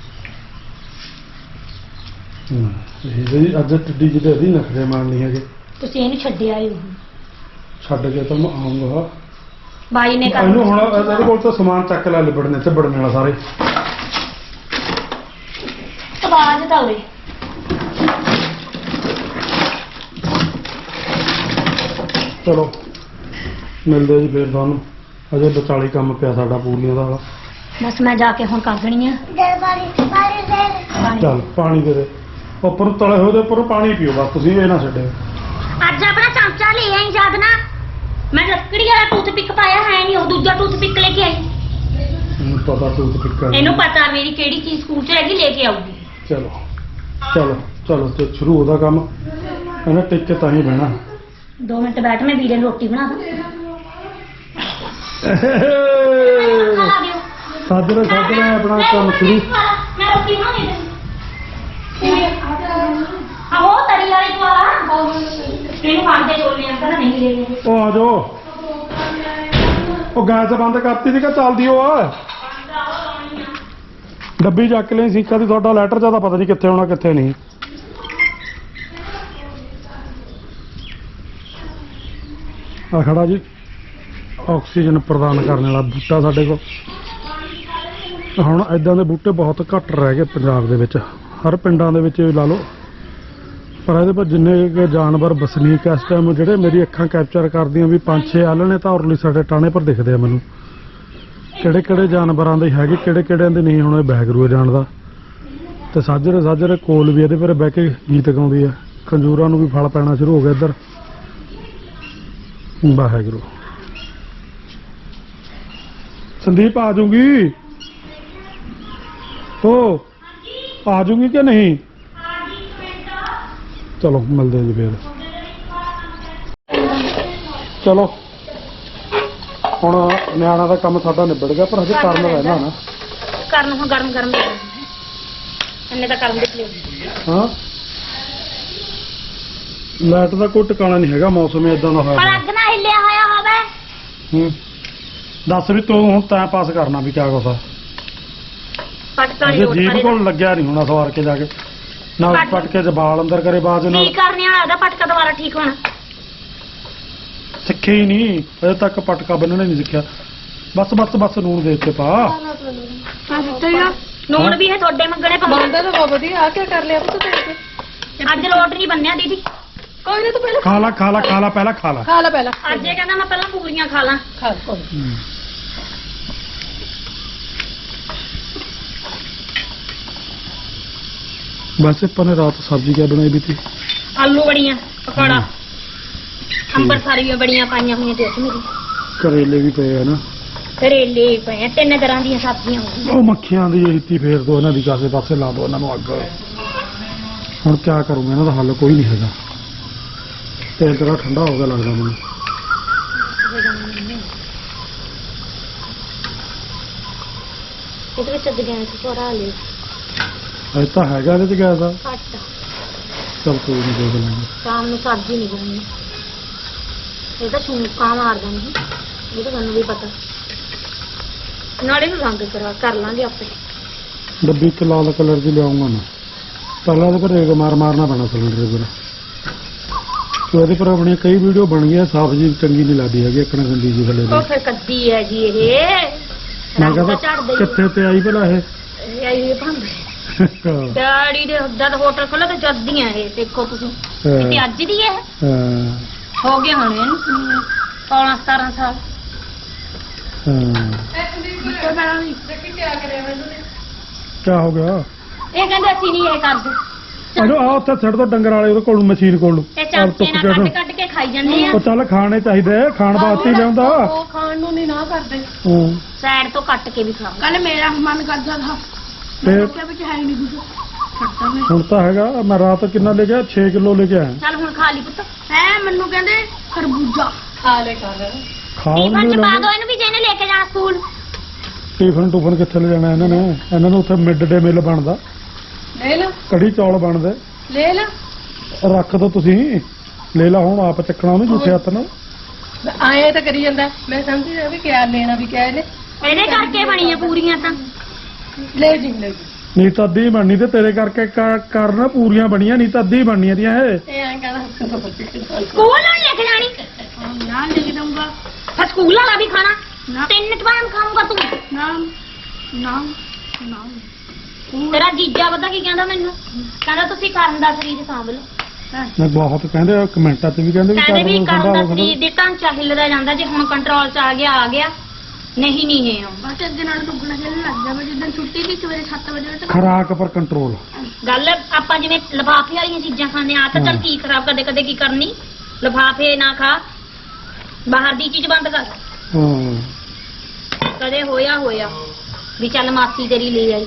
ਇਹ ਜੀ ਅੱਜ ਟੱਡੀ ਜਿਹਦੇ ਇਹਦੀ ਨਖਰੇ ਮਾਰਨੀ ਹੈਗੇ ਤੁਸੀਂ ਇਹਨੂੰ ਛੱਡਿਆ ਹੀ ਛੱਡ ਕੇ ਤਾਂ ਮੈਂ ਆਉਂਗਾ ਬਾਈ ਨੇ ਕਰ ਇਹਨੂੰ ਹੁਣ ਇਹਦੇ ਕੋਲ ਤਾਂ ਸਮਾਨ ਚੱਕ ਲੈ ਲਿਬੜਨੇ ਤੇ ਬੜਨੇ ਵਾਲਾ ਸਾਰੇ ਆਵਾਜ਼ ਤਾਂ ਉਰੇ ਚਲੋ ਮਿਲਦੇ ਜੀ ਫੇਰ ਤੁਹਾਨੂੰ ਅਜੇ ਵਿਚਾਲੀ ਕੰਮ ਪਿਆ ਸਾਡਾ ਪੂਰੀਆਂ ਦਾ ਬਸ ਮੈਂ ਜਾ ਕੇ ਹੁਣ ਕਰ ਦੇਣੀ ਆ ਚੱਲ ਪਾਣੀ ਦੇ ਦੇ ਉੱਪਰ ਤਲੇ ਹੋਏ ਦੇ ਉੱਪਰ ਪਾਣੀ ਪੀਓ ਬਸ ਤੁਸੀਂ ਇਹ ਨਾ ਛੱਡਿਓ। ਅੱਜ ਆਪਣਾ ਚਮਚਾ ਲੈ ਆਈ ਜਦ ਨਾ ਮੈਂ ਲੱਕੜੀ ਵਾਲਾ ਟੂਥਪਿਕ ਪਾਇਆ ਹੈ ਨਹੀਂ ਉਹ ਦੂਜਾ ਟੂਥਪਿਕ ਲੈ ਕੇ ਆਈ ਮੈਨੂੰ ਪਤਾ ਤੂੰ ਤੇ ਫਿੱਕਾ ਇਹਨੂੰ ਪਤਾ ਮੇਰੀ ਕਿਹੜੀ ਚੀਜ਼ ਸਕੂਲ 'ਚ ਹੈਗੀ ਲੈ ਕੇ ਆਊਗੀ ਚਲੋ ਚਲੋ ਚਲੋ ਤੇ ਸ਼ੁਰੂ ਉਹਦਾ ਕੰਮ ਇਹਨੇ ਟਿਕ ਕੇ ਤਾਂ ਹੀ ਬਹਿਣਾ 2 ਮਿੰਟ ਬੈਠ ਮੈਂ ਵੀਰੇ ਨੂੰ ਰੋਟੀ ਬਣਾ ਦਾਂ ਖਾ ਦਿਓ ਸਾਜਰੇ ਆਪਣਾ ਕੰਮ ਸ਼ੁਰੂ ਮੈਂ ਰੋਟੀ ਬਣਾਉਣੀ ਹੈ ਆਹੋ ਤਰੀ ਵਾਲੀ ਵਾਲਾ ਇਹਨੂੰ ਖਾਂਦੇ ਛੋਲੇ ਅੰਕਲ ਨਹੀਂ ਲੈ ਗਏ ਉਹ ਆ ਜਾਓ ਉਹ ਗੈਸ ਬੰਦ ਕਰਤੀ ਸੀ ਕਿ ਚੱਲਦੀ ਉਹ ਆ ਡੱਬੀ ਚੱਕ ਲਈ ਸੀਕਾ ਦੀ ਤੁਹਾਡਾ ਲੈਟਰ ਜਿਆਦਾ ਪਤਾ ਨਹੀਂ ਕਿੱਥੇ ਹੋਣਾ ਕਿੱਥੇ ਨਹੀਂ ਆ ਖੜਾ ਜੀ ਆਕਸੀਜਨ ਪ੍ਰਦਾਨ ਕਰਨ ਵਾਲਾ ਬੂਟਾ ਸਾਡੇ ਕੋਲ ਹੁਣ ਇਦਾਂ ਦੇ ਬੂਟੇ ਬਹੁਤ ਘੱਟ ਰਹਿ ਗਏ ਪੰਜਾਬ ਦੇ ਵਿੱਚ ਹਰ ਪਿੰਡਾਂ ਦੇ ਵਿੱਚ ਲਾ ਲਓ ਪਰ ਇਹਦੇ ਪਰ ਜਿੰਨੇ ਕੁ ਜਾਨਵਰ ਵਸਨੀਕ ਇਸ ਟਾਈਮ ਜਿਹੜੇ ਮੇਰੀ ਅੱਖਾਂ ਕੈਪਚਰ ਕਰਦੀਆਂ ਵੀ 5-6 ਆਲਣੇ ਤਾਂ ਉਰਲੀ ਸਾਡੇ ਟਾਣੇ ਪਰ ਦਿਖਦੇ ਆ ਮੈਨੂੰ ਕਿਹੜੇ ਕਿਹੜੇ ਜਾਨਵਰਾਂ ਦੇ ਹੈਗੇ ਕਿਹੜੇ ਕਿਹੜਿਆਂ ਦੇ ਨਹੀਂ ਹੁਣ ਇਹ ਬੈਗਰੂ ਜਾਣਦਾ ਤੇ ਸਾਜਰੇ ਕੋਲ ਵੀ ਇਹਦੇ ਪਰ ਬਹਿ ਕੇ ਗੀਤ ਗਾਉਂਦੀ ਆ ਖੰਜੂਰਾਂ ਨੂੰ ਵੀ ਫਲ ਪੈਣਾ ਸ਼ੁਰੂ ਹੋ ਗਿਆ ਇੱਧਰ ਵਾਹਿਗੁਰੂ ਸੰਦੀਪ ਆ ਜਾਊਗੀ ਉਹ ਆ ਜਾਊਗੀ ਕਿ ਨਹੀਂ ਚਲੋ ਮਿਲਦੇ ਜੀ ਫੇਰ ਚਲੋ ਹੁਣ ਨਿਆਣਾ ਦਾ ਕੰਮ ਸਾਡਾ ਨਿਬੜ ਗਿਆ ਪਰ ਹਜੇ ਕਰਨ ਰਹਿਣਾ ਨਾ ਕਰਨ ਹੁਣ ਗਰਮ ਇੰਨੇ ਤਾਂ ਕਰਨ ਦੇ ਲਿਓ ਹਾਂ ਲਾਈਟ ਦਾ ਕੋਈ ਟਿਕਾਣਾ ਨਹੀਂ ਹੈਗਾ ਮੌਸਮ ਇਦਾਂ ਦਾ ਹੋਇਆ ਪਰ ਅੱਗ ਨਾ ਹਿੱਲਿਆ ਹੋਇਆ ਹੋਵੇ ਹੂੰ ਦੱਸ ਵੀ ਤੂੰ ਹੁਣ ਟਾਈਮ ਪਾਸ ਕਰਨਾ ਵੀ ਕਿਆ ਕੋਸਾ ਪਟਕਾ ਜੇ ਜੀਭ ਕੋਲ ਲੱਗਿਆ ਨਹੀਂ ਹੋਣਾ ਸਵਾਰ ਕੇ ਜਾ ਕੇ ਨਾ ਪਟਕੇ ਚ ਬਾਲ ਅੰਦਰ ਕਰੇ ਬਾਅਦ ਨਾਲ ਕੀ ਕਰਨੇ ਵਾਲਾ ਉਹਦਾ ਪਟਕਾ ਦੁਬਾਰਾ ਠੀਕ ਹੋਣਾ ਸਿੱਖੇ ਹੀ ਨਹੀਂ ਅਜੇ ਤੱਕ ਪਟਕਾ ਬੰਨਣਾ ਨਹੀਂ ਸਿੱਖਿਆ ਬਸ ਨੂਣ ਦੇ ਉੱਤੇ ਪਾ ਨੂਣ ਵੀ ਹੈ ਤੁਹਾਡੇ ਮੰਗਣੇ ਬੰਦਾ ਪਾਉਂਦਾ ਤਾਂ ਬਹੁਤ ਵਧੀਆ ਆ ਕੀ ਕਰ ਲਿਆ ਪੁੱਤ ਤੇ ਅੱਜ ਲੋਟ ਨਹੀਂ ਬੰਨਿਆ ਦੀਦੀ ਕੋਈ ਨਾ ਤੂੰ ਪਹਿਲਾਂ ਖਾ ਲਾ ਪਹਿਲਾਂ ਖਾ ਲਾ ਖਾ ਲੈ ਪਹਿਲਾਂ ਅੱਜ ਇਹ ਕਹਿੰਦਾ ਮੈਂ ਪਹਿਲਾਂ ਪੂਰੀਆਂ ਖਾ ਲਾਂ ਖਾ ਕੋਈ ਬਸ ਆਪਾਂ ਨੇ ਰਾਤ ਸਬਜ਼ੀ ਕਿਆ ਬਣਾਈ ਵੀ ਤੀ ਆਲੂ ਬੜੀਆਂ ਪਕੌੜਾ ਅੰਬਰਸਰੀਆਂ ਬੜੀਆਂ ਪਾਈਆਂ ਹੋਈਆਂ ਤੇ ਮੇਰੀ ਕਰੇਲੇ ਵੀ ਪਏ ਆ ਨਾ ਕਰੇਲੇ ਪਏ ਆ 3 ਤਰ੍ਹਾਂ ਦੀਆਂ ਸਬਜ਼ੀਆਂ ਉਹ ਮੱਖੀਆਂ ਦੀ ਹਿੱਤੀ ਫੇਰ ਦੋ ਇਹਨਾਂ ਦੀ ਕਾਸੇ ਪਾਸੇ ਲਾ ਦੋ ਇਹਨਾਂ ਨੂੰ ਅੱਗ ਹੁਣ ਕਿਆ ਕਰੂੰਗਾ ਇਹਨਾਂ ਦਾ ਹੱਲ ਕੋਈ ਨਹੀਂ ਹੈਗਾ ਤੇਲ ਤੇਰਾ ਠੰਡਾ ਹੋ ਗਿਆ ਲੱਗਦਾ ਮੈਨੂੰ ਇਹਦੇ ਵਿੱਚ ਅੱਗੇ ਗੈਸ ਥੋੜਾ ਲਿਓ ਇਹ ਤਾਂ ਹੈਗਾ ਇਹਦੇ ਚ ਗੈਸ ਆ ਘੱਟ ਚਲ ਕੋਈ ਨਹੀਂ ਦੇਖ ਲਾਂਗੇ ਸ਼ਾਮ ਨੂੰ ਸਬਜ਼ੀ ਨਹੀਂ ਬਣਨੀ ਇਹ ਤਾਂ ਛੂਕਾ ਮਾਰ ਦਿੰਦੀ ਇਹ ਤਾਂ ਤੁਹਾਨੂੰ ਵੀ ਪਤਾ ਨਾਲੇ ਨੂੰ ਰੰਗ ਕਰ ਲਾਂਗੇ ਆਪੇ ਡੱਬੀ ਇੱਕ ਲਾਲ ਕਲਰ ਦੀ ਲਿਆਉਂਗਾ ਮੈਂ ਪਹਿਲਾਂ ਇਹਦੇ ਪਰ ਰੇਗ ਮਾਰਨਾ ਪੈਣਾ ਸਿਲੰਡਰ ਪਰ ਤੇ ਉਹਦੇ ਪਰ ਆਪਣੀਆਂ ਕਈ ਵੀਡੀਓ ਬਣ ਗਈਆਂ ਸਾਫ ਜੀ ਚੰਗੀ ਨਹੀਂ ਲੱਗਦੀ ਹੈਗੀ ਇੱਕ ਨਾ ਗੰਦੀ ਜੀ ਥੱਲੇ ਉਹ ਫਿਰ ਕੱਦੀ ਹੈ ਜੀ ਇਹ ਮੈਂ ਰੰਗ ਤਾਂ ਕਹਿੰਦਾ ਝੜਦਾ ਹੀ ਕਿੱਥੇ ਤੇ ਆਈ ਭਲਾ ਇਹ ਇਹ ਆਈ ਹੋਈ ਭਾਂਡੇ ਡੈਡੀ ਦੇ ਜਦ ਹੋਟਲ ਖੋਲ੍ਹਿਆ ਤੇ ਜੱਦੀਆਂ ਇਹ ਦੇਖੋ ਤੁਸੀਂ ਇਹ ਅੱਜ ਦੀ ਹੈ ਹਾਂ ਹੋ ਗਏ ਹੁਣ ਇਹਨੂੰ 16-17 ਸਾਲ ਕਿਆ ਹੋ ਗਿਆ ਇਹ ਕਹਿੰਦੇ ਅਸੀਂ ਨਹੀਂ ਇਹ ਕਰਦੇ ਅਜੋ ਆ ਉੱਥੇ ਛੱਡ ਦੋ ਡੰਗਰ ਵਾਲੇ ਉਹਦੇ ਕੋਲ ਮਸ਼ੀਨ ਕੋਲ ਨੂੰ ਇਹ ਚਮਚੇ ਨਾਲ ਕੱਢ ਕੇ ਖਾਈ ਜਾਂਦੇ ਆ ਉਹ ਚੱਲ ਖਾਣੇ ਚਾਹੀਦੇ ਖਾਣ ਵਾਸਤੇ ਹੀ ਲਿਆਉਂਦਾ ਉਹ ਖਾਣ ਨੂੰ ਨਹੀਂ ਨਾ ਕਰਦੇ ਹਾਂ ਸਾਈਡ ਤੋਂ ਕੱਟ ਕੇ ਵੀ ਖਾਓ ਕੱਲ ਮੇਰਾ ਮਨ ਕਰਦਾ ਥਾ ਤੇ ਕਿਆ ਵਿੱਚ ਹੈ ਨਹੀਂ ਕੁਝ ਖੱਟਾ ਮੈਂ ਹੁਣ ਤਾਂ ਹੈਗਾ ਮੈਂ ਰਾਤ ਕਿੰਨਾ ਲੈ ਗਿਆ 6 ਕਿਲੋ ਲੈ ਕੇ ਆਇਆ ਚੱਲ ਹੁਣ ਖਾ ਲਈ ਪੁੱਤ ਹੈ ਮੈਨੂੰ ਕਹਿੰਦੇ ਖਰਬੂਜਾ ਖਾ ਲੈ ਖਾ ਲੈ ਖਾਣ ਟੀਫਨ ਚ ਨੂੰ ਪਾ ਦੋ ਇਹਨੂੰ ਵੀ ਜਿਹਨੇ ਲੈ ਕੇ ਜਾਣਾ ਸਕੂਲ ਟੂਫਨ ਕਿੱਥੇ ਲੈ ਜਾਣਾ ਇਹਨਾਂ ਨੂੰ ਉੱਥੇ ਮਿਡ ਡੇ ਮਿਲ ਬਣਦਾ ਲੈ ਲਾ ਕੜੀ ਚੌਲ ਬਣਦੇ ਲੈ ਲਾ ਰੱਖ ਦੋ ਤੁਸੀਂ ਲੈ ਲਾ ਹੁਣ ਆਪ ਚੱਕਣਾ ਉਹਨੂੰ ਝੂਠੇ ਹੱਥ ਨਾਲ ਆਏ ਤਾਂ ਕਰੀ ਜਾਂਦਾ ਮੈਂ ਸਮਝ ਰਿਹਾ ਵੀ ਕਿਆ ਲੈਣਾ ਵੀ ਕਿਆ ਇਹਨੇ ਇਹਦੇ ਕਰਕੇ ਬਣੀਆਂ ਪੂਰੀਆਂ ਤਾਂ ਲੈ ਜੀ ਨਹੀਂ ਤਾਂ ਅੱਧੀ ਬਣਨੀ ਤੇ ਤੇਰੇ ਕਰਕੇ ਕਰਨਾ ਪੂਰੀਆਂ ਬਣੀਆਂ ਨਹੀਂ ਤਾਂ ਅੱਧੀ ਬਣਨੀਆਂ ਦੀਆਂ ਇਹ ਇਹ ਐਂ ਕਹਿੰਦਾ ਸਕੂਲ ਨਾਲ ਲੈ ਕੇ ਜਾਣੀ ਨਾ ਲੈ ਕੇ ਦਊਂਗਾ ਫਿਰ ਸਕੂਲ ਵਾਲਾ ਵੀ ਖਾਣਾ 3 ਟਾਈਮ ਖਾਊਂਗਾ ਤੂੰ ਨਾਮ ਨਾਮ ਨਾਮ ਤੇਰਾ ਜੀਜਾ ਪਤਾ ਕੀ ਕਹਿੰਦਾ ਮੈਨੂੰ ਕਹਿੰਦਾ ਤੁਸੀਂ ਕਰਨ ਦਾ ਸਰੀਰ ਸਾਂਭ ਲਓ ਮੈਂ ਬਹੁਤ ਕਹਿੰਦੇ ਆ ਕਮੈਂਟਾਂ 'ਚ ਵੀ ਕਹਿੰਦੇ ਵੀ ਕਹਿੰਦੇ ਵੀ ਕਰਨ ਕਰਨ ਦਾ ਦਾ ਸਰੀਰ ਦੇ ਢਾਂਚਾ ਹਿੱਲਦਾ ਜਾਂਦਾ ਜੇ ਹੁਣ ਕੰਟਰੋਲ 'ਚ ਆ ਗਿਆ ਨਹੀਂ ਨਹੀਂ ਹੈ ਬਸ ਅੱਗੇ ਨਾਲ ਦੁੱਗਣਾ ਚੱਲਣ ਲੱਗ ਗਿਆ ਮੈਂ ਜਿੱਦਣ ਛੁੱਟੀ ਦੀ ਸਵੇਰੇ 7 ਵਜੇ ਤੱਕ ਖੁਰਾਕ ਪਰ ਕੰਟਰੋਲ। ਗੱਲ ਆਪਾਂ ਜਿਵੇਂ ਲਿਫਾਫੇ ਵਾਲੀਆਂ ਚੀਜ਼ਾਂ ਖਾਂਦੇ ਆ ਤਾਂ ਚੱਲ ਕੀ ਖਰਾਬ ਕਦੇ ਕਦੇ ਕੀ ਕਰਨੀ, ਲਿਫਾਫੇ ਨਾ ਖਾ, ਬਾਹਰ ਦੀ ਚੀਜ਼ ਬੰਦ ਕਰ। ਕਦੇ ਹੋਇਆ ਵੀ ਚੱਲ ਮਾਸੀ ਤੇਰੀ ਲੈ ਆਈ।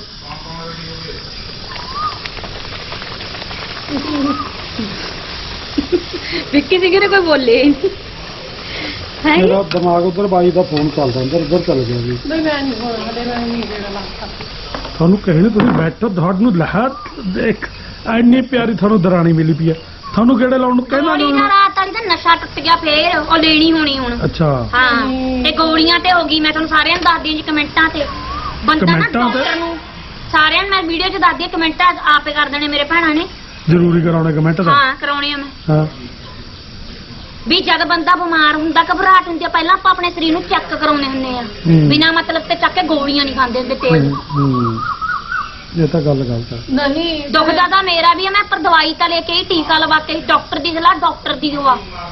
ਵਿੱਕੀ ਜੀ ਕਿਹਨੇ ਕੋਈ ਬੋਲੇ ਹੈ ਮੇਰਾ ਦਿਮਾਗ ਉਧਰ ਬਾਈ ਦਾ ਫੋਨ ਚੱਲਦਾ ਇੱਧਰ ਚਲ ਗਿਆ ਜੀ। ਨਹੀਂ ਮੈਂ ਨਹੀਂ ਹੋਣਾ ਹਲੇ ਮੈਂ ਨਹੀਂ ਜਿਹੜਾ ਲੱਗਦਾ ਤੁਹਾਨੂੰ ਕਹਿਣੇ ਤੁਸੀਂ ਬੈਠੋ, ਤੁਹਾਨੂੰ ਲਹਿਰ ਦੇਖ ਐਨੀ ਪਿਆਰੀ ਤੁਹਾਨੂੰ ਦਰਾਣੀ ਮਿਲੀ ਪਈ ਆ, ਤੁਹਾਨੂੰ ਕਿਹੜੇ ਲਾਉਣ ਨੂੰ ਕਹਿੰਦਾ ਗੋਲੀ ਨਾਲ ਰਾਤ ਵਾਲੀ ਦਾ ਨਸ਼ਾ ਟੁੱਟ ਗਿਆ ਫੇਰ ਉਹ ਲੈਣੀ ਹੋਣੀ ਹੁਣ। ਅੱਛਾ ਹਾਂ ਤੇ ਗੋਲੀਆਂ ਤੇ ਹੋ ਗਈ। ਮੈਂ ਤੁਹਾਨੂੰ ਸਾਰਿਆਂ ਨੂੰ ਦੱਸਦੀ ਹਾਂ ਜੀ ਕਮੈਂਟਾਂ ਤੇ ਬੰਦਾ ਨਾ ਕਮੈਂਟਾਂ ਤੇ? ਡਾਕਟਰ ਨੂੰ ਸਾਰਿਆਂ ਨੂੰ ਮੈਂ ਵੀਡੀਓ 'ਚ ਦੱਸਦੀ ਹਾਂ, ਕਮੈਂਟਾਂ ਆਪੇ ਕਰ ਦੇਣੇ ਮੇਰੇ ਭੈਣਾਂ ਨੇ। ਜ਼ਰੂਰੀ ਕਰਾਉਣੇ ਕਮੈਂਟ ਦਾ। ਹਾਂ ਕਰਾਉਣੇ ਆ ਮੈਂ ਹਾਂ ਵੀ ਜਦ ਬੰਦਾ ਬਿਮਾਰ ਹੁੰਦਾ ਘਬਰਾਹਟ ਹੁੰਦੀ ਆ ਪਹਿਲਾਂ ਆਪਾਂ ਆਪਣੇ ਸਰੀਰ ਨੂੰ ਚੈੱਕ ਕਰਾਉਣੇ ਹੁੰਦੇ ਆ ਹੂੰ। ਬਿਨਾਂ ਮਤਲਬ ਤੇ ਚੱਕ ਕੇ ਗੋਲੀਆਂ ਨਹੀਂ ਖਾਂਦੇ ਹੁੰਦੇ ਤੇਜ਼। ਇਹ ਤਾਂ ਗੱਲ ਗਲਤ ਹੈ। ਨਹੀਂ ਦੁਖਦਾ ਤਾਂ ਮੇਰਾ ਵੀ ਆ, ਮੈਂ ਪਰ ਦਵਾਈ ਤਾਂ ਲੈ ਕੇ ਹੀ ਟੀਕਾ ਲਵਾ ਕੇ ਡਾਕਟਰ ਦੀ ਸਲਾਹ ਡਾਕਟਰ ਦੀ ਦਵਾ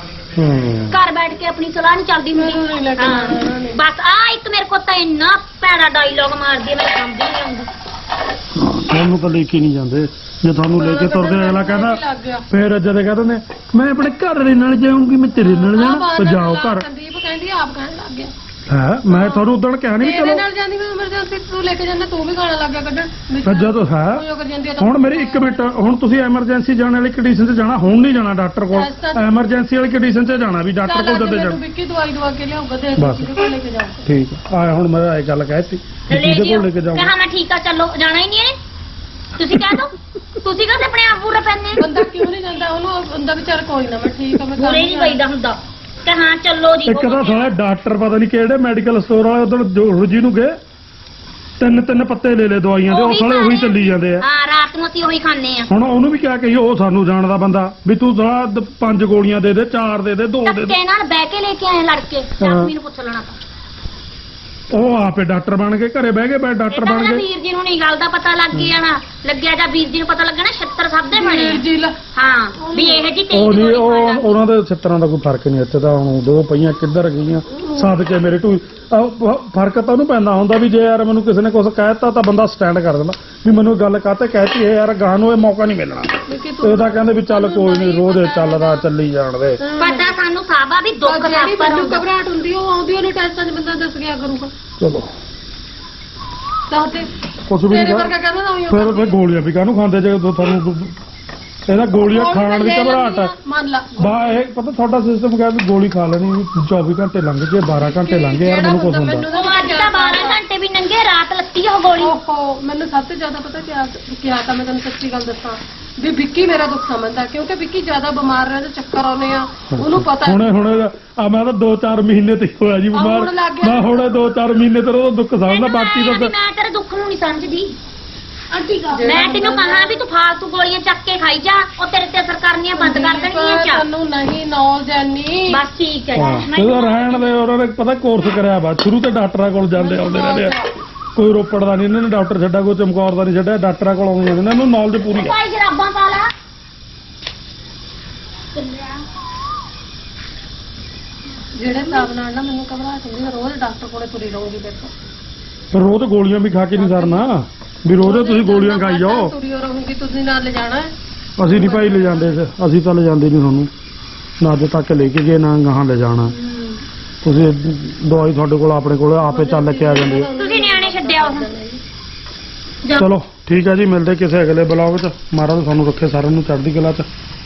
ਘਰ ਬੈਠ ਕੇ ਆਪਣੀ ਸਲਾਹ ਨਹੀਂ ਚੱਲਦੀ ਮੈਨੂੰ ਨਹੀਂ ਹੁੰਦੀ। ਲੈ ਕੇ ਹਾਂ। ਜਾਣਾ ਉਹਨਾਂ ਨੇ। ਬਸ ਆ ਇੱਕ ਮੇਰੇ ਕੋਲ ਤਾਂ ਇੰਨਾ ਭੈੜਾ ਡਾਇਲੌਗ ਮਾਰਦੀ ਆ ਮੈਨੂੰ ਸਮਝ ਨਹੀਂ ਆਉਂਦਾ। ਤੁਹਾਨੂੰ ਤਾਂ ਲੈ ਕੇ ਨਹੀਂ ਜਾਂਦੇ, ਜੇ ਤੁਹਾਨੂੰ ਲੈ ਕੇ ਤੁਰਦੇ ਅਗਲਾ ਕਹਿੰਦਾ ਲੱਗ ਗਿਆ ਫਿਰ ਜਦ ਕਹਿੰਦੇ ਨੇ ਮੈਂ ਆਪਣੇ ਘਰ ਦੇ ਨਾਲ ਜਾਊਂਗੀ, ਮੈਂ ਤੇਰੇ ਨਾਲ ਜਾਣਾ, ਤੇ ਜਾਓ ਘਰ। ਸੰਦੀਪ ਕਹਿੰਦੀ ਆਪ ਕਹਿਣ ਲੱਗ ਗਿਆ ਹੈ ਮੈਂ ਤੁਹਾਨੂੰ ਉਦੋਂ ਕਿਹਾ ਨਹੀਂ ਵੀ ਤੇਰੇ ਚਲੋ ਨਾਲ ਜਾਂਦੀ ਮੈਂ ਐਮਰਜੈਂਸੀ ਤੂੰ ਲੈ ਕੇ ਜਾਂਦਾ ਤੂੰ ਵੀ ਗਾਣਾ ਲੱਗ ਗਿਆ ਕੱਢਣ ਫਿਰ ਜਦੋਂ ਹੈ ਉਹ ਕਰ ਜਾਂਦੀ ਆ ਤਾਂ ਹੁਣ ਮੇਰੀ 1 ਮਿੰਟ, ਹੁਣ ਤੁਸੀਂ ਐਮਰਜੈਂਸੀ ਜਾਣ ਵਾਲੀ ਕੰਡੀਸ਼ਨ 'ਚ ਜਾਣਾ, ਹੁਣ ਨਹੀਂ ਜਾਣਾ ਡਾਕਟਰ ਕੋਲ, ਐਮਰਜੈਂਸੀ ਵਾਲੀ ਕੰਡੀਸ਼ਨ 'ਚ ਜਾਣਾ ਵੀ ਡਾਕਟਰ ਕੋਲ ਜਦੋਂ ਜਾਣਾ। ਵਿੱਕੀ ਦਵਾਈ ਦਵਾ ਕੇ ਲਿਆਊਗਾ ਤੇ ਬਸ। ਕਿਹਦੇ ਕੋਲ ਲੈ ਕੇ ਜਾਊਗਾ ਠੀਕ ਆ ਹੁਣ ਮੈਂ ਇਹ ਗੱਲ ਕਹਿਤੀ ਲੈ ਜਿਹਦੇ ਜਿਓ ਕੋਲ ਲੈ ਕੇ ਜਾਊਂਗਾ। ਕਹਾ ਮੈਂ ਠੀਕ ਆ ਚਲੋ ਜਾਣਾ ਹੀ ਨਹੀਂ ਹੈ ਤੁਸੀਂ ਕਹਿ ਦੋ ਤੁਸੀਂ ਕਦੇ ਆਪਣੇ ਆਪ ਪੂਰਾ ਪੈਂਦੇ ਬੰਦਾ ਕਿਉਂ ਨਹੀਂ ਜਾਂਦਾ ਉਹਨੂੰ ਬੰਦਾ ਵਿਚਾਰ ਕੋਈ ਨਾ ਮੈਂ ਠੀਕ ਆ ਮੈਂ ਪੂਰੇ ਨਹੀਂ ਪਈਦਾ ਹੁੰਦਾ ਕਿ ਹਾਂ ਚੱਲੋ ਜੀ ਇੱਕ ਤਾਂ ਸਾਲਾ ਡਾਕਟਰ ਪਤਾ ਨਹੀਂ ਕਿਹੜੇ ਮੈਡੀਕਲ ਸਟੋਰ ਵਾਲੇ ਉਧਰ ਰੋਜੀ ਨੂੰ ਗਏ, ਤਿੰਨ ਪੱਤੇ ਲੈ ਲੈ ਦਵਾਈਆਂ ਦੇ, ਉਹ ਸਾਲੇ ਉਹੀ ਚੱਲੀ ਜਾਂਦੇ ਆ। ਹਾਂ ਰਾਤ ਨੂੰ ਅਸੀਂ ਉਹੀ ਖਾਂਦੇ ਆ ਹੁਣ ਉਹਨੂੰ ਵੀ ਕਿਆ ਕਹੀਏ, ਉਹ ਸਾਨੂੰ ਜਾਣਦਾ ਬੰਦਾ ਵੀ ਤੂੰ ਸਾਲਾ 5 ਗੋਲੀਆਂ ਦੇ ਦੇ, 4 ਦੇ ਦੇ, 2 ਦੇ ਦੇ। ਧੱਕੇ ਨਾਲ ਬਹਿ ਕੇ ਲੈ ਕੇ ਆਏ ਲੜ ਕੇ ਜਸਮੀ ਨੂੰ ਪੁੱਛ ਲੈਣਾ ਤਾਂ ਉਹ ਆਪੇ ਡਾਕਟਰ ਬਣ ਕੇ ਘਰੇ ਬਹਿ ਗਏ, ਬੈ ਡਾਕਟਰ ਇਹ ਤਾਂ ਬਣ ਨਾ ਗਏ। ਵੀਰ ਜੀ ਨੂੰ ਨਹੀਂ ਗੱਲ ਦਾ ਪਤਾ ਲੱਗ ਜਾਣਾ ਲੱਗਿਆ ਜਾਂ ਵੀਰ ਜੀ ਨੂੰ ਪਤਾ ਲੱਗਣਾ 76 ਸਭ ਦੇ ਬਣੇ ਆ। ਜੀ ਲਾ ਹਾਂ ਵੀ ਇਹ ਜੀ ਉਹ ਨਹੀਂ ਉਹਨਾਂ ਦੇ ਛਿੱਤਰਾਂ ਦਾ ਕੋਈ ਫਰਕ ਨਹੀਂ, ਇੱਥੇ ਤਾਂ ਹੁਣ 2 ਪਈਆਂ ਕਿੱਧਰ ਗਈਆਂ ਸਦਕੇ ਮੇਰੇ ਟੂ ਫਰਕ ਤਾਂ ਉਹਨੂੰ ਪੈਂਦਾ ਹੁੰਦਾ ਵੀ ਜੇ ਯਾਰ ਮੈਨੂੰ ਕਿਸੇ ਨੇ ਕੁਝ ਕਹਿਤਾ ਤਾਂ ਬੰਦਾ ਸਟੈਂਡ ਕਰ ਦਿੰਦਾ ਵੀ ਮੈਨੂੰ ਗੱਲ ਕਾਹਤੇ ਕਹਿਤੀ ਹੈ ਯਾਰ, ਗਾਹ ਨੂੰ ਇਹ ਮੌਕਾ ਨਹੀਂ ਮਿਲਣਾ। ਇਹ ਤਾਂ ਕਹਿੰਦੇ ਵੀ ਚੱਲ ਕੋਈ ਨਹੀਂ ਰੋਜ਼ ਚੱਲਦਾ ਚੱਲੀ ਜਾਣ ਦੇ। ਪਤਾ ਸਾਨੂੰ ਸਾਬਾ ਵੀ ਦੁੱਖ ਦਾ ਜਿਹੜੀ ਪਰ ਮੈਨੂੰ ਘਬਰਾਹਟ ਹੁੰਦੀ ਉਹ ਆਉਂਦੀ ਉਹਨੇ ਟੈਸਟਾਂ 'ਚ ਬੰਦਾ ਦੱਸ ਗਿਆ ਕਰੂਗਾ ਚਲੋ ਤਾਂ ਤੇ ਕੁਝ ਵੀ ਤੇਰੇ ਨਹੀਂ ਵਰਗਾ ਕਹਿੰਦਾ ਨਾ ਉਹੀ ਫਿਰ ਗੋਲੀਆਂ ਵੀ ਕਾਹਨੂੰ ਖਾਂਦੇ ਜੇ ਤੁਹਾਨੂੰ ਇਹਦਾ ਗੋਲੀਆਂ ਖਾਣ ਦੀ ਘਬਰਾਹਟ ਹੈ। ਮੰਨ ਲਾ ਬਾ ਇਹ ਪਤਾ ਤੁਹਾਡਾ ਸਿਸਟਮ ਕਿਹਾ ਵੀ ਗੋਲੀ ਖਾ ਲੈਣੀ ਵੀ 24 ਘੰਟੇ ਲੰਘ ਗਏ, 12 ਘੰਟੇ ਲੰਘ ਗਏ, ਯਾਰ ਮੈਨੂੰ ਕੁਝ ਹੁੰਦਾ। ਉਹ ਅੱਜ ਤਾਂ 12 ਘੰਟੇ ਵੀ ਨੰਗੇ ਰਾਤ ਲੱਤੀ ਉਹ ਗੋਲੀ। ਓਹੋ ਮੈਨੂੰ ਸਭ ਤੋਂ ਜ਼ਿਆਦਾ ਪਤਾ ਕਿਆ ਤਾਂ ਮੈਂ ਤੁਹਾਨੂੰ ਸੱਚੀ ਗੱਲ ਦੱਸਾਂ ਵੀ ਵਿੱਕੀ ਮੇਰਾ ਦੁੱਖ ਸਮਝਦਾ ਕਿਉਂਕਿ ਵਿੱਕੀ ਜ਼ਿਆਦਾ ਬਿਮਾਰ ਰਹਿੰਦਾ, ਚੱਕਰ ਆਉਂਦੇ ਆ ਉਹਨੂੰ ਪਤਾ ਹੁਣ ਆ ਮੈਂ ਤਾਂ 2-4 ਮਹੀਨੇ ਤੇ ਹੋਇਆ ਜੀ ਬਿਮਾਰ, ਹੁਣ ਲੱਗ ਗਿਆ। ਮੈਂ ਹੁਣ 2-4 ਮਹੀਨੇ ਤੇ ਉਹਦਾ ਦੁੱਖ ਸਮਝਦਾ, ਬਾਕੀ ਤਾਂ ਮੈਂ ਤੇਰੇ ਦੁੱਖ ਨੂੰ ਨਹੀਂ ਸਮਝਦੀ ਮੈਂ ਤੈਨੂੰ ਕਹਾਂ ਵੀ ਤੂੰ ਫਾਲਤੂ ਗੋਲੀਆਂ ਚੱਕ ਕੇ ਖਾਈ ਜਾ, ਉਹ ਤੇਰੇ ਤੇ ਅਸਰ ਕਰਨੀਆਂ ਬੰਦ ਕਰ ਦੇਣਗੀਆਂ ਚਾ ਤੁਹਾਨੂੰ ਨਹੀਂ ਨੌਲੇਜ ਐਨੀ ਬਸ ਠੀਕ ਹੈ ਹਾਂ ਇਹਦਾ ਰਹਿਣ ਦੇ, ਉਹਨਾਂ ਨੇ ਪਤਾ ਕੋਰਸ ਕਰਿਆ ਵਾ ਸ਼ੁਰੂ ਤੇ ਡਾਕਟਰਾਂ ਕੋਲ ਜਾਂਦੇ ਆਉਂਦੇ ਰਹਿੰਦੇ ਆ, ਕੋਈ ਰੋਪੜ ਦਾ ਨਹੀਂ ਇਹਨਾਂ ਨੇ ਡਾਕਟਰ ਛੱਡਾ, ਕੋਈ ਚਮਕੌਰ ਦਾ ਨਹੀਂ ਛੱਡਿਆ, ਡਾਕਟਰਾਂ ਕੋਲ ਆਉਂਦੇ ਜਾਂਦੇ ਨੇ, ਇਹਨਾਂ ਨੂੰ ਨੌਲੇਜ ਪੂਰੀ ਹੈ। ਭਾਈ ਜਰਾਬਾਂ ਪਾ ਲਾ ਜਿਹੜੇ ਹਿਸਾਬ ਨਾਲ ਨਾ ਮੈਨੂੰ ਘਬਰਾਹਟ ਹੁੰਦੀ ਮੈਂ ਰੋਜ਼ ਡਾਕਟਰ ਕੋਲੇ ਤੁਰੀ ਰਹੂੰਗੀ ਦੇਖੋ ਫਿਰ ਰੋਜ਼ ਗੋਲੀਆਂ ਵੀ ਖਾ ਕੇ ਨਹੀਂ ਸਰਨਾ ਵੀ ਰੋਜ਼ ਤੁਸੀਂ ਗੋਲੀਆਂ ਖਾਈ ਜਾਓ। ਤੁਰੀ ਰਹੂੰਗੀ ਤੁਸੀਂ ਨਾਲ ਲੈ ਜਾਣਾ ਹੈ ਅਸੀਂ ਨਹੀਂ ਭਾਈ ਲੈ ਜਾਂਦੇ, ਅਸੀਂ ਤਾਂ ਲੈ ਜਾਂਦੇ ਨਹੀਂ ਤੁਹਾਨੂੰ, ਨਾ ਅੱਜ ਤੱਕ ਲੈ ਕੇ ਗਏ ਨਾ ਗਾਹਾਂ ਲੈ ਜਾਣਾ। ਤੁਸੀਂ ਦਵਾਈ ਤੁਹਾਡੇ ਕੋਲ ਆਪਣੇ ਕੋਲ ਆਪੇ ਚੱਲ ਕੇ ਆ ਜਾਂਦੇ ਆ। ਤੁਸੀਂ ਨਿਆਣੇ ਛੱਡਿਆ ਉਹ ਚਲੋ ਠੀਕ ਹੈ ਜੀ, ਮਿਲਦੇ ਕਿਸੇ ਅਗਲੇ ਬਲੌਗ 'ਚ। ਮਹਾਰਾਜ ਤੁਹਾਨੂੰ ਰੱਖੇ ਸਾਰਿਆਂ ਨੂੰ ਚੜ੍ਹਦੀ ਕਲਾ 'ਚ।